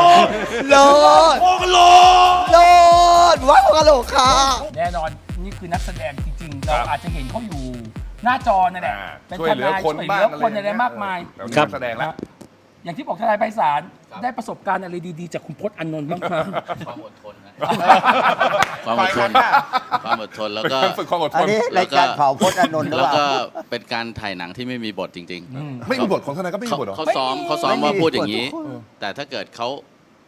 [SPEAKER 9] โลด
[SPEAKER 8] โคกะโหลก
[SPEAKER 9] โลดว่าโคกะโหลกค่ะ
[SPEAKER 1] แน่นอนนี่คือนักแสดงจริงๆ เราอาจจะเห็นเขาอยู่หน้าจอนั่นแหละเป็น
[SPEAKER 2] ช่วย
[SPEAKER 1] ท
[SPEAKER 2] เหลือน
[SPEAKER 1] าย
[SPEAKER 2] คน
[SPEAKER 1] ช่วยเห
[SPEAKER 2] บ้า
[SPEAKER 1] ลื
[SPEAKER 2] ง
[SPEAKER 1] อคนอะไรมากมาย
[SPEAKER 2] แบบนี้นักแสดงแล้ว
[SPEAKER 1] อย่างที่บอกทนายไพศาลได้ประสบการณ์อะไรดีๆ จากคุณพจน์อานนท์บ้างครับ
[SPEAKER 7] ความอดทนนะ
[SPEAKER 3] ขอ
[SPEAKER 7] ความอด
[SPEAKER 3] อีก
[SPEAKER 7] ท
[SPEAKER 3] ครั้
[SPEAKER 7] น
[SPEAKER 3] งค่ะ
[SPEAKER 7] ความอดทนแล้วก็
[SPEAKER 2] ฝึกความอดท
[SPEAKER 4] อัน
[SPEAKER 2] น
[SPEAKER 4] นี้รายการเผาพจน์อานนท์หรือ
[SPEAKER 7] แล้ว
[SPEAKER 4] เป
[SPEAKER 7] ก็
[SPEAKER 4] ล่า
[SPEAKER 7] เป็นการถ่ายหนังที่ไม่มีบทจริง
[SPEAKER 2] ไม่มีบทของทนายก็ไม่มี
[SPEAKER 7] เขา
[SPEAKER 2] บทเหรอ
[SPEAKER 7] เขาซ้อม
[SPEAKER 4] ไม่มี
[SPEAKER 7] มาพูดอย่างนี้
[SPEAKER 4] บททุกคน
[SPEAKER 7] แต่ถ้าเกิดเขา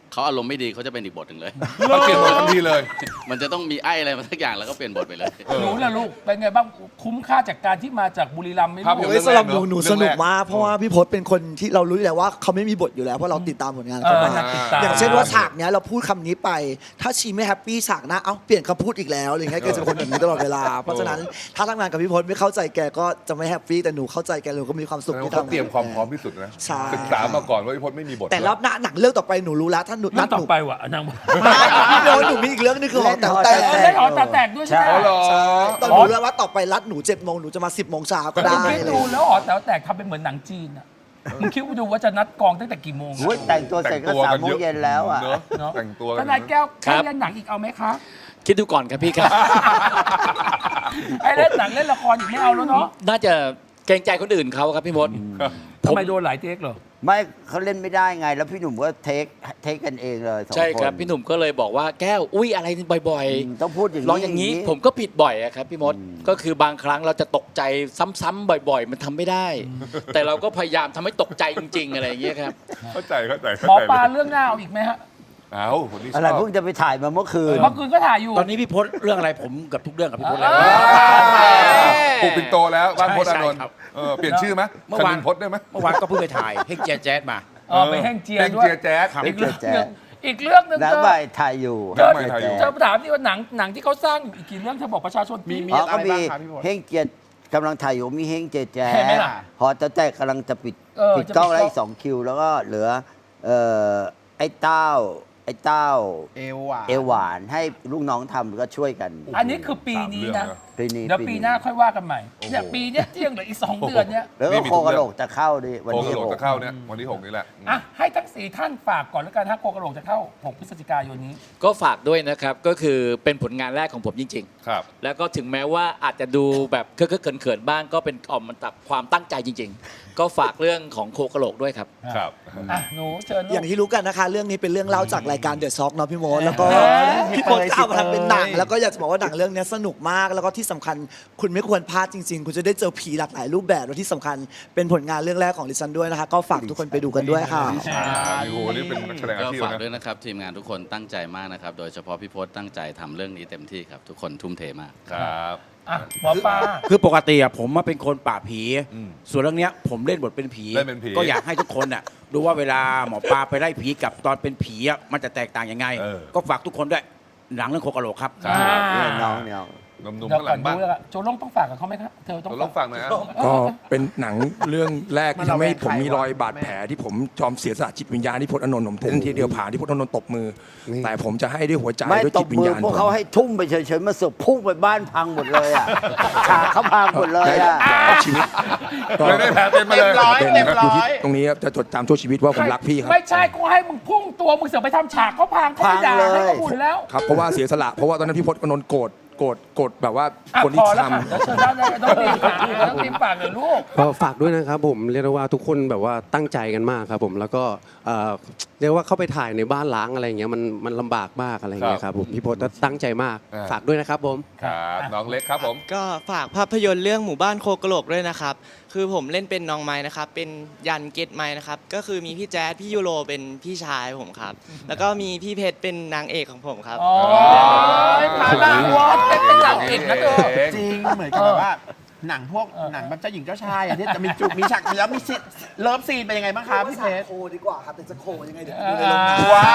[SPEAKER 7] เขาอารมณ์ไม่ดีเขาจะเป็นอีกบทหนึ่งเลย
[SPEAKER 2] เขาเปลี่ยนบททันทีเลย
[SPEAKER 7] มันจะต้องมีไอ้อะไรมาสักอย่างแล้วก็เปลี่ยนบทไปเลย
[SPEAKER 1] หนูล่ะลูกเป็นไงบ้างคุ้มค่าจากการที่มาจากบุรีรัมย์ไหม
[SPEAKER 2] ครับ
[SPEAKER 1] ลูก
[SPEAKER 2] ผม
[SPEAKER 9] โอ้ยสำหรับหนู
[SPEAKER 2] เรื่องแรก
[SPEAKER 9] สนุก
[SPEAKER 2] เรื่องแรก
[SPEAKER 9] มากเพราะว่าพี่พศเป็นคนที่เรารู้อยู่แล้วว่าเขาไม่มีบทอยู่แล้วเพราะเราติดตามผลงานเขามา
[SPEAKER 1] ติดตาม
[SPEAKER 9] อย่างเช่นว่าฉากเนี้ยเราพูดคำนี้ไป ถ้าชีไม่แฮปปี้ฉากหน้าเอ้าเปลี่ยนคำพูดอีกแล้วอะไรเงี้ยแกจะเป็นคนแบบนี้ตลอดเวลาเพราะฉะนั้นถ้าทำงานกับพี่พศไม่เข้าใจแกก็จะไม่แฮปปี้แต่หนูเข้าใจแกเลยก็มีความสุข
[SPEAKER 2] แสดง
[SPEAKER 9] ที่
[SPEAKER 2] ว่าเขา
[SPEAKER 9] ทำงาน
[SPEAKER 2] เตรียมความพร้อมที่สุดนะ
[SPEAKER 9] ใช่
[SPEAKER 2] ศึกษามาก่อนว่าพี่พจน์ไม่มีบท
[SPEAKER 9] แต่รอบหน้าหนังเรื่องต่อไปหนูรู้แล้วถ้าหนู
[SPEAKER 1] เรื่องต่อ
[SPEAKER 9] หนู
[SPEAKER 1] ไปว่ะนางบอก
[SPEAKER 9] พี่โดนหนูมีอีกเรื่องนึงคือหอแต๋วแตก
[SPEAKER 1] เล่นหอตาแตกด้วยใช่ไหม
[SPEAKER 2] อ๋อเหรอ
[SPEAKER 9] ตอนหนูรู้แล้วว่าต่อไปรัดหนู7 โมงหนูจะมา10 โมงเช้าก็ได้
[SPEAKER 1] คิด
[SPEAKER 9] เลย
[SPEAKER 1] ดูแล้วหอแต๋วแตกทำเป็นเหมือนหนังจีนอ่ะมึงคิดดูว่าจะนัดกองตั้งแต่กี่โมง
[SPEAKER 4] โอ้ยแต่งตัวเสร็จก็3 โมงเย็นแล้วอ่ะ
[SPEAKER 2] เนอะ
[SPEAKER 1] เนาะ
[SPEAKER 2] แต่งตัว
[SPEAKER 1] ท
[SPEAKER 2] กัน
[SPEAKER 1] นายแก้ว
[SPEAKER 5] ครั
[SPEAKER 1] ให้
[SPEAKER 5] บ
[SPEAKER 1] เล่นหนังอีกเอาไหมคะ
[SPEAKER 5] คิดดูก่อนครับพี่ครับ
[SPEAKER 1] ไอ้เล่นหนังเล่นละครอีกไม่เอาแล้วเนาะ
[SPEAKER 5] น่าจะเกรงใจคนอื่นเขาครับพี่มด
[SPEAKER 1] ทำไมโดนหลายเทคเหรอ
[SPEAKER 4] ไม่เขาเล่นไม่ได้ไง แล้วพี่หนุ่มก็เทคกันเองเลย2 คน
[SPEAKER 5] ใช่ครับพี่หนุ่มก็เลยบอกว่าแก้วอุ้ยอะไรบ่อย
[SPEAKER 4] ต้องพูดอย่าง
[SPEAKER 5] ๆร้องอย่างนี้ผมก็ผิดบ่อยอะครับพี่มดก็คือบางครั้งเราจะตกใจซ้ำๆบ่อย ๆ มันทำไม่ได้ แต่เราก็พยายามทำให้ตกใจจริง ๆ อะไรอย่างเงี้ยครับ
[SPEAKER 2] เข้าใจ
[SPEAKER 1] หมอปลาเรื่องหน้าเอาอีกไหมฮะ
[SPEAKER 2] เอาคนนี้ช
[SPEAKER 4] อะไร
[SPEAKER 2] อบ
[SPEAKER 4] เพิ่งจะไปถ่ายมาเมื่อคืน
[SPEAKER 1] เมื่อคืนก็ถ่ายอยู่
[SPEAKER 6] ตอนนี้พี่พศเรื่องอะไรผมกับทุกเรื่องกับพี่พศเลย
[SPEAKER 2] ปลูกปิ่นโตแล้วบ้านพจน์อานนท์
[SPEAKER 6] ใช่ครับ
[SPEAKER 2] เปลี่ยนชื่อไหม
[SPEAKER 6] เมื่
[SPEAKER 2] ค
[SPEAKER 6] อวาน
[SPEAKER 2] ณินพจน์ได้ไหม
[SPEAKER 6] เมื่อวานก็เพิ่งไปถ่ายเฮกแจ๊สมา
[SPEAKER 1] ไปแห้งเจีย
[SPEAKER 2] เฮง
[SPEAKER 1] ด้วย
[SPEAKER 2] เจียแจ๊ส
[SPEAKER 1] อีกเรื่อง
[SPEAKER 4] แจ๊
[SPEAKER 1] หนึ่
[SPEAKER 4] ส
[SPEAKER 1] งอีกเรื่องหนึ่ง
[SPEAKER 4] แล้ว
[SPEAKER 1] เธอ
[SPEAKER 4] ไปถ่ายอยู่
[SPEAKER 2] แล้วไปถ่ายอยู่
[SPEAKER 1] เธอถามที่ว่าหนังที่เขาสร้างอยู่อีกกี่เรื่องเธอบอกประชาชนมี
[SPEAKER 4] อ๋อก็มีเฮงเจียกำลังถ่ายอยู่มีเฮงเจียแจ๊
[SPEAKER 1] เห็นไหมล่ะ
[SPEAKER 4] หอแต่กำลังจะปิด
[SPEAKER 1] จะ
[SPEAKER 4] กล้องแล้ว
[SPEAKER 1] ปิดกล้อง
[SPEAKER 4] อีก2 คิว แล้วก็เหลือไอ้เต้าเอวหวานให้ลูกน้องทำก็ช่วยกัน
[SPEAKER 1] อันนี้คือปีนี้นะ
[SPEAKER 4] ปีนี้
[SPEAKER 1] เดี๋ยวปีหน้าค่อยว่ากันใหม่เนี่ยปีเนี้ยที่ยังเหลืออีก 2 เดือนเนี้ย
[SPEAKER 4] แล้วก็โคกระโหลกจะเข้าดิวัน
[SPEAKER 2] โค
[SPEAKER 4] ที่
[SPEAKER 2] กระโหลก
[SPEAKER 4] 6
[SPEAKER 2] จะเข้าเนี่ยวันที่6นี่แหละ
[SPEAKER 1] อ่ะให้ทั้ง 4 ท่านฝากก่อนแล้วกันถ้าโคกระโหลกจะเข้า 6 พฤศจิกายนนี้
[SPEAKER 5] ก็ฝากด้วยนะครับก็คือเป็นผลงานแรกของผมจริง
[SPEAKER 2] ครับ
[SPEAKER 5] ๆ แล้วก็ถึงแม้ว่าอาจจะดูแบบเคอะๆเขินๆบ้างก็เป็นออกมาจากความตั้งใจจริง ๆ ก็ฝากเรื่องของโคกระโหลกด้วยครับ
[SPEAKER 2] ครับ
[SPEAKER 1] อ่ะหนูเชิญลู
[SPEAKER 9] อย่าง
[SPEAKER 1] ก
[SPEAKER 9] ที่รู้กันนะคะ เรื่องนี้เป็นเรื่องเล่าจากรายการเดอะซ็อกเนาะพี่โมดแล้วก็
[SPEAKER 1] เฮ้ย
[SPEAKER 9] พี่พศก็เอามาทำเป็นหนังแล้วก็อยากจะบอกว่าหนังเรื่องนี้สนุกมาก แล้วก็ที่สำคัญคุณไม่ควรพลาดจริง ๆ คุณจะได้เจอผีหลากหลายรูปแบบและที่สำคัญเป็นผลงานเรื่องแรกของดิฉันด้วยนะคะ ก็ฝากทุกคนไปดูกันด้วยค่ะ
[SPEAKER 2] โอ้โหนี่เป็นนักแสดงอา
[SPEAKER 7] ก็
[SPEAKER 2] ชีพ
[SPEAKER 7] ฝาก
[SPEAKER 2] นะ
[SPEAKER 7] ด้วยนะครับ ทีมงานทุกคนตั้งใจมากนะครับ โดยเฉพาะพี่พศตั้งใจทำเรื่องนี้เต็มที่ครับ ทุกคนทุ่มเทมาก
[SPEAKER 2] ครับ
[SPEAKER 1] อ่ะหมอปลา
[SPEAKER 6] คือปกติอะผมมาเป็นคนป่าบผี
[SPEAKER 2] อืม
[SPEAKER 6] ส่วนเรื่องเนี้ยผมเล่นบทเป็นผี
[SPEAKER 2] เล่นเป็นผี
[SPEAKER 6] ก็อยากให้ทุกคนอะดูว่าเวลาหมอปลาไปไล่ผีกับตอนเป็นผีอะมันจะแตกต่างยังไง ก็ฝากทุกคนด้วยหนังเรื่องโคกะโหลกครับ
[SPEAKER 2] ครับ
[SPEAKER 4] น้อง
[SPEAKER 2] หนุ่ม
[SPEAKER 1] เดี๋
[SPEAKER 2] ๆ
[SPEAKER 1] ยว
[SPEAKER 2] ข้างห
[SPEAKER 1] ก่
[SPEAKER 2] ลั
[SPEAKER 1] อน
[SPEAKER 2] ง
[SPEAKER 1] ดู
[SPEAKER 2] บ้าน
[SPEAKER 1] แล้วกันโจลงต้องฝากกับเขาไหมครับเธอต้อง
[SPEAKER 2] เราลองฟังหน่อยนะ
[SPEAKER 8] ก็เป็นหนังเรื่องแรกที่ทำให้ผมมีรอยบาดแผลที่ผมยอมเสียสละจิตวิญญาณที่พจน์อานนท์ผมเต้นทีเดียวผ่านที่พจน์อานนท์ตบมือ แต่ผมจะให้ด้วยหัวใจ
[SPEAKER 4] ไม่
[SPEAKER 8] ด้วย
[SPEAKER 4] ต
[SPEAKER 8] จิ
[SPEAKER 4] บ
[SPEAKER 8] ตวิญ
[SPEAKER 4] มือ
[SPEAKER 8] ญาณ
[SPEAKER 4] พวกเขาให้ทุ่มไปเฉยๆมาเสือกพุ่งไปบ้านพังหมดเลยอ่ะฉากเขาพังหมดเลยอ่ะ
[SPEAKER 8] ได้ชีวิตก็
[SPEAKER 2] เลยได้แผลเป็นมาเลย
[SPEAKER 8] เป็นอยู่ที่ตรงนี้ครับจะจดจำชั่วชีวิตว่าผมรักพี่ครับ
[SPEAKER 1] ไม่ใช่กูให้มึงพุ่งตัวมึงเสือกไปทำฉากเขาพังเขาไม่ด่า
[SPEAKER 4] พังเลย
[SPEAKER 1] ให้เขาหุ่นแล้ว
[SPEAKER 8] ครับเพราะว่าเสียสละเพราะว่าตอนนั้นพี่พจน์อานนท์โกรธแบบว่า
[SPEAKER 1] อ่ะ
[SPEAKER 8] คน
[SPEAKER 1] พ
[SPEAKER 8] ที่
[SPEAKER 1] อแล้ว
[SPEAKER 8] ทำ
[SPEAKER 1] ค่ะแล้วเชิญด้านในต้องตีปากเลยต้องตีปากเลยลูก
[SPEAKER 10] ก็ฝากด้วยนะครับผมเรียกได้ว่าทุกคนแบบว่าตั้งใจกันมากครับผมแล้วก็เรียกว่าเข้าไปถ่ายในบ้านล้างอะไรเงี้ยมันลำบากมากอะไรเงี้ยครับผมพี่พศก็ตั้งใจมาก
[SPEAKER 2] อ่า
[SPEAKER 10] ฝากด้วยนะครับผม
[SPEAKER 2] ครับน้องเล็กครับผม
[SPEAKER 11] ก็ฝากภาพยนตร์เรื่องหมู่บ้านโคกะโหลกด้วยนะครับ คือผมเล่นเป็นน้องไม้นะครับ เป็นยันเกตไม้นะครับ ก็คือมีพี่แจ๊ดพี่ยูโรเป็นพี่ชายผมครับ แล้วก็มีพี่เพชรเป็นนางเอกของผมครับ
[SPEAKER 1] โอ้ยพาดาวอดเป็นหลังเอกนะเธอ
[SPEAKER 3] จริงเหมือนกับแบบว่าหนังพวกหนังแบบเจ้าหญิงเจ้าชายอ่ะที่จะมีจุกมีฉากแล้วมีเลิฟซีนเป็นยังไงบ้างครับพี่เพชร
[SPEAKER 9] โคดีกว่าครับแต่จะโคยังไงเดี๋ยวไปดูในโรงหนัง
[SPEAKER 3] ว้าว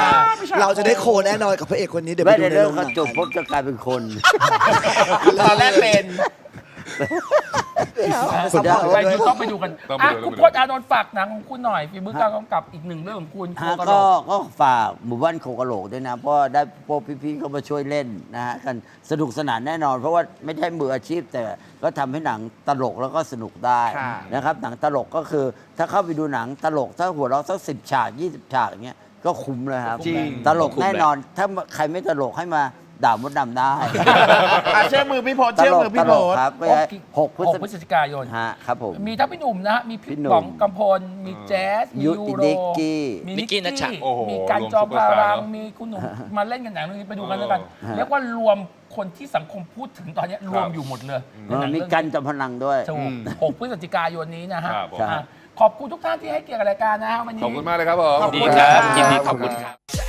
[SPEAKER 9] เราจะได้โคแน่นอนกับพระเอกคนนี้เดี๋ยวไป
[SPEAKER 4] ไม่
[SPEAKER 9] ดู
[SPEAKER 4] ได้
[SPEAKER 9] ใน
[SPEAKER 4] เรื่อ
[SPEAKER 9] โรง งห
[SPEAKER 4] เขา
[SPEAKER 9] นัง
[SPEAKER 4] จบปุ๊บจะกลายเป็นคน
[SPEAKER 3] ตอนแรกเป็น
[SPEAKER 4] สุดยอด
[SPEAKER 1] ไปดูต้องไปดูกัน
[SPEAKER 2] ต้องไป
[SPEAKER 1] อ่ะ
[SPEAKER 2] ดู
[SPEAKER 1] คุณพจน์อานนท์ฝากหนังของคุณหน่อยฝีมือการกำกับอีกหนึ่งเรื่องของคุณโค
[SPEAKER 4] ฮะ
[SPEAKER 1] กะโหล
[SPEAKER 4] ก็
[SPEAKER 1] ก
[SPEAKER 4] ก็ฝากหมู่บ้านโคกะโหลกด้วยนะ เพราะได้พวกพี่ๆเขามาช่วยเล่นนะฮะกันสนุกสนานแน่นอน เพราะว่าไม่ใช่มืออาชีพ แต่ก็ทำให้หนังตลกแล้วก็สนุกได้
[SPEAKER 3] ค่ะ
[SPEAKER 4] นะครับหนังตลกก็คือถ้าเข้าไปดูหนังตลกถ้าหัวเราะสัก10 ฉาก 20 ฉากอย่างเงี้ยก็คุ้มเลยครับ
[SPEAKER 3] จริง
[SPEAKER 4] ตลกแน่นอน ถ้าใครไม่ตลกให้มาด่ามดดำได้
[SPEAKER 3] เชื่อมือพี่พศ
[SPEAKER 4] ต
[SPEAKER 3] เชื่อ
[SPEAKER 4] ลก
[SPEAKER 3] มือ
[SPEAKER 4] ต
[SPEAKER 3] พี่
[SPEAKER 4] ล
[SPEAKER 3] พ
[SPEAKER 4] ก
[SPEAKER 3] ศ
[SPEAKER 4] ครับก็6
[SPEAKER 1] พฤศจิกายน
[SPEAKER 4] ฮะครับผม
[SPEAKER 1] มีทั้งพี่หนุ่มนะฮะ มีพี่
[SPEAKER 4] พี่หนุ่ม
[SPEAKER 1] ป๋องกำพล มีแจ๊ส มี
[SPEAKER 4] ยุ
[SPEAKER 1] ยู
[SPEAKER 4] ติ
[SPEAKER 1] โร
[SPEAKER 4] นิกกี้
[SPEAKER 1] มี
[SPEAKER 5] นิกกี้นัชชา
[SPEAKER 2] โอ้โห
[SPEAKER 1] มีการจอม
[SPEAKER 2] รวมซุปเปอร์
[SPEAKER 1] พา
[SPEAKER 2] สตาร์
[SPEAKER 1] รัง
[SPEAKER 2] เนอะ
[SPEAKER 1] มีคุณหนุ่มมาเล่นกันหนังเรื่องนี้ไปดูกันแล้วกัน
[SPEAKER 4] ฮะ
[SPEAKER 1] เรียกว่ารวมคนที่สังคมพูดถึงตอนนี้รวมอยู่หมดเลยในหนัง
[SPEAKER 4] มี
[SPEAKER 1] เรื่อง
[SPEAKER 4] กันจอมพลังด้วย
[SPEAKER 1] ถูก6 พฤศจิกายนนี้นะฮะ
[SPEAKER 2] ครับผม
[SPEAKER 1] อ่ะขอบคุณทุกท่านที่ให้เกียรติกับรายการนะฮะวันนี้
[SPEAKER 2] ขอบคุณมากเลยครับผม
[SPEAKER 5] ยินดีครับยินดีขอบคุณครับ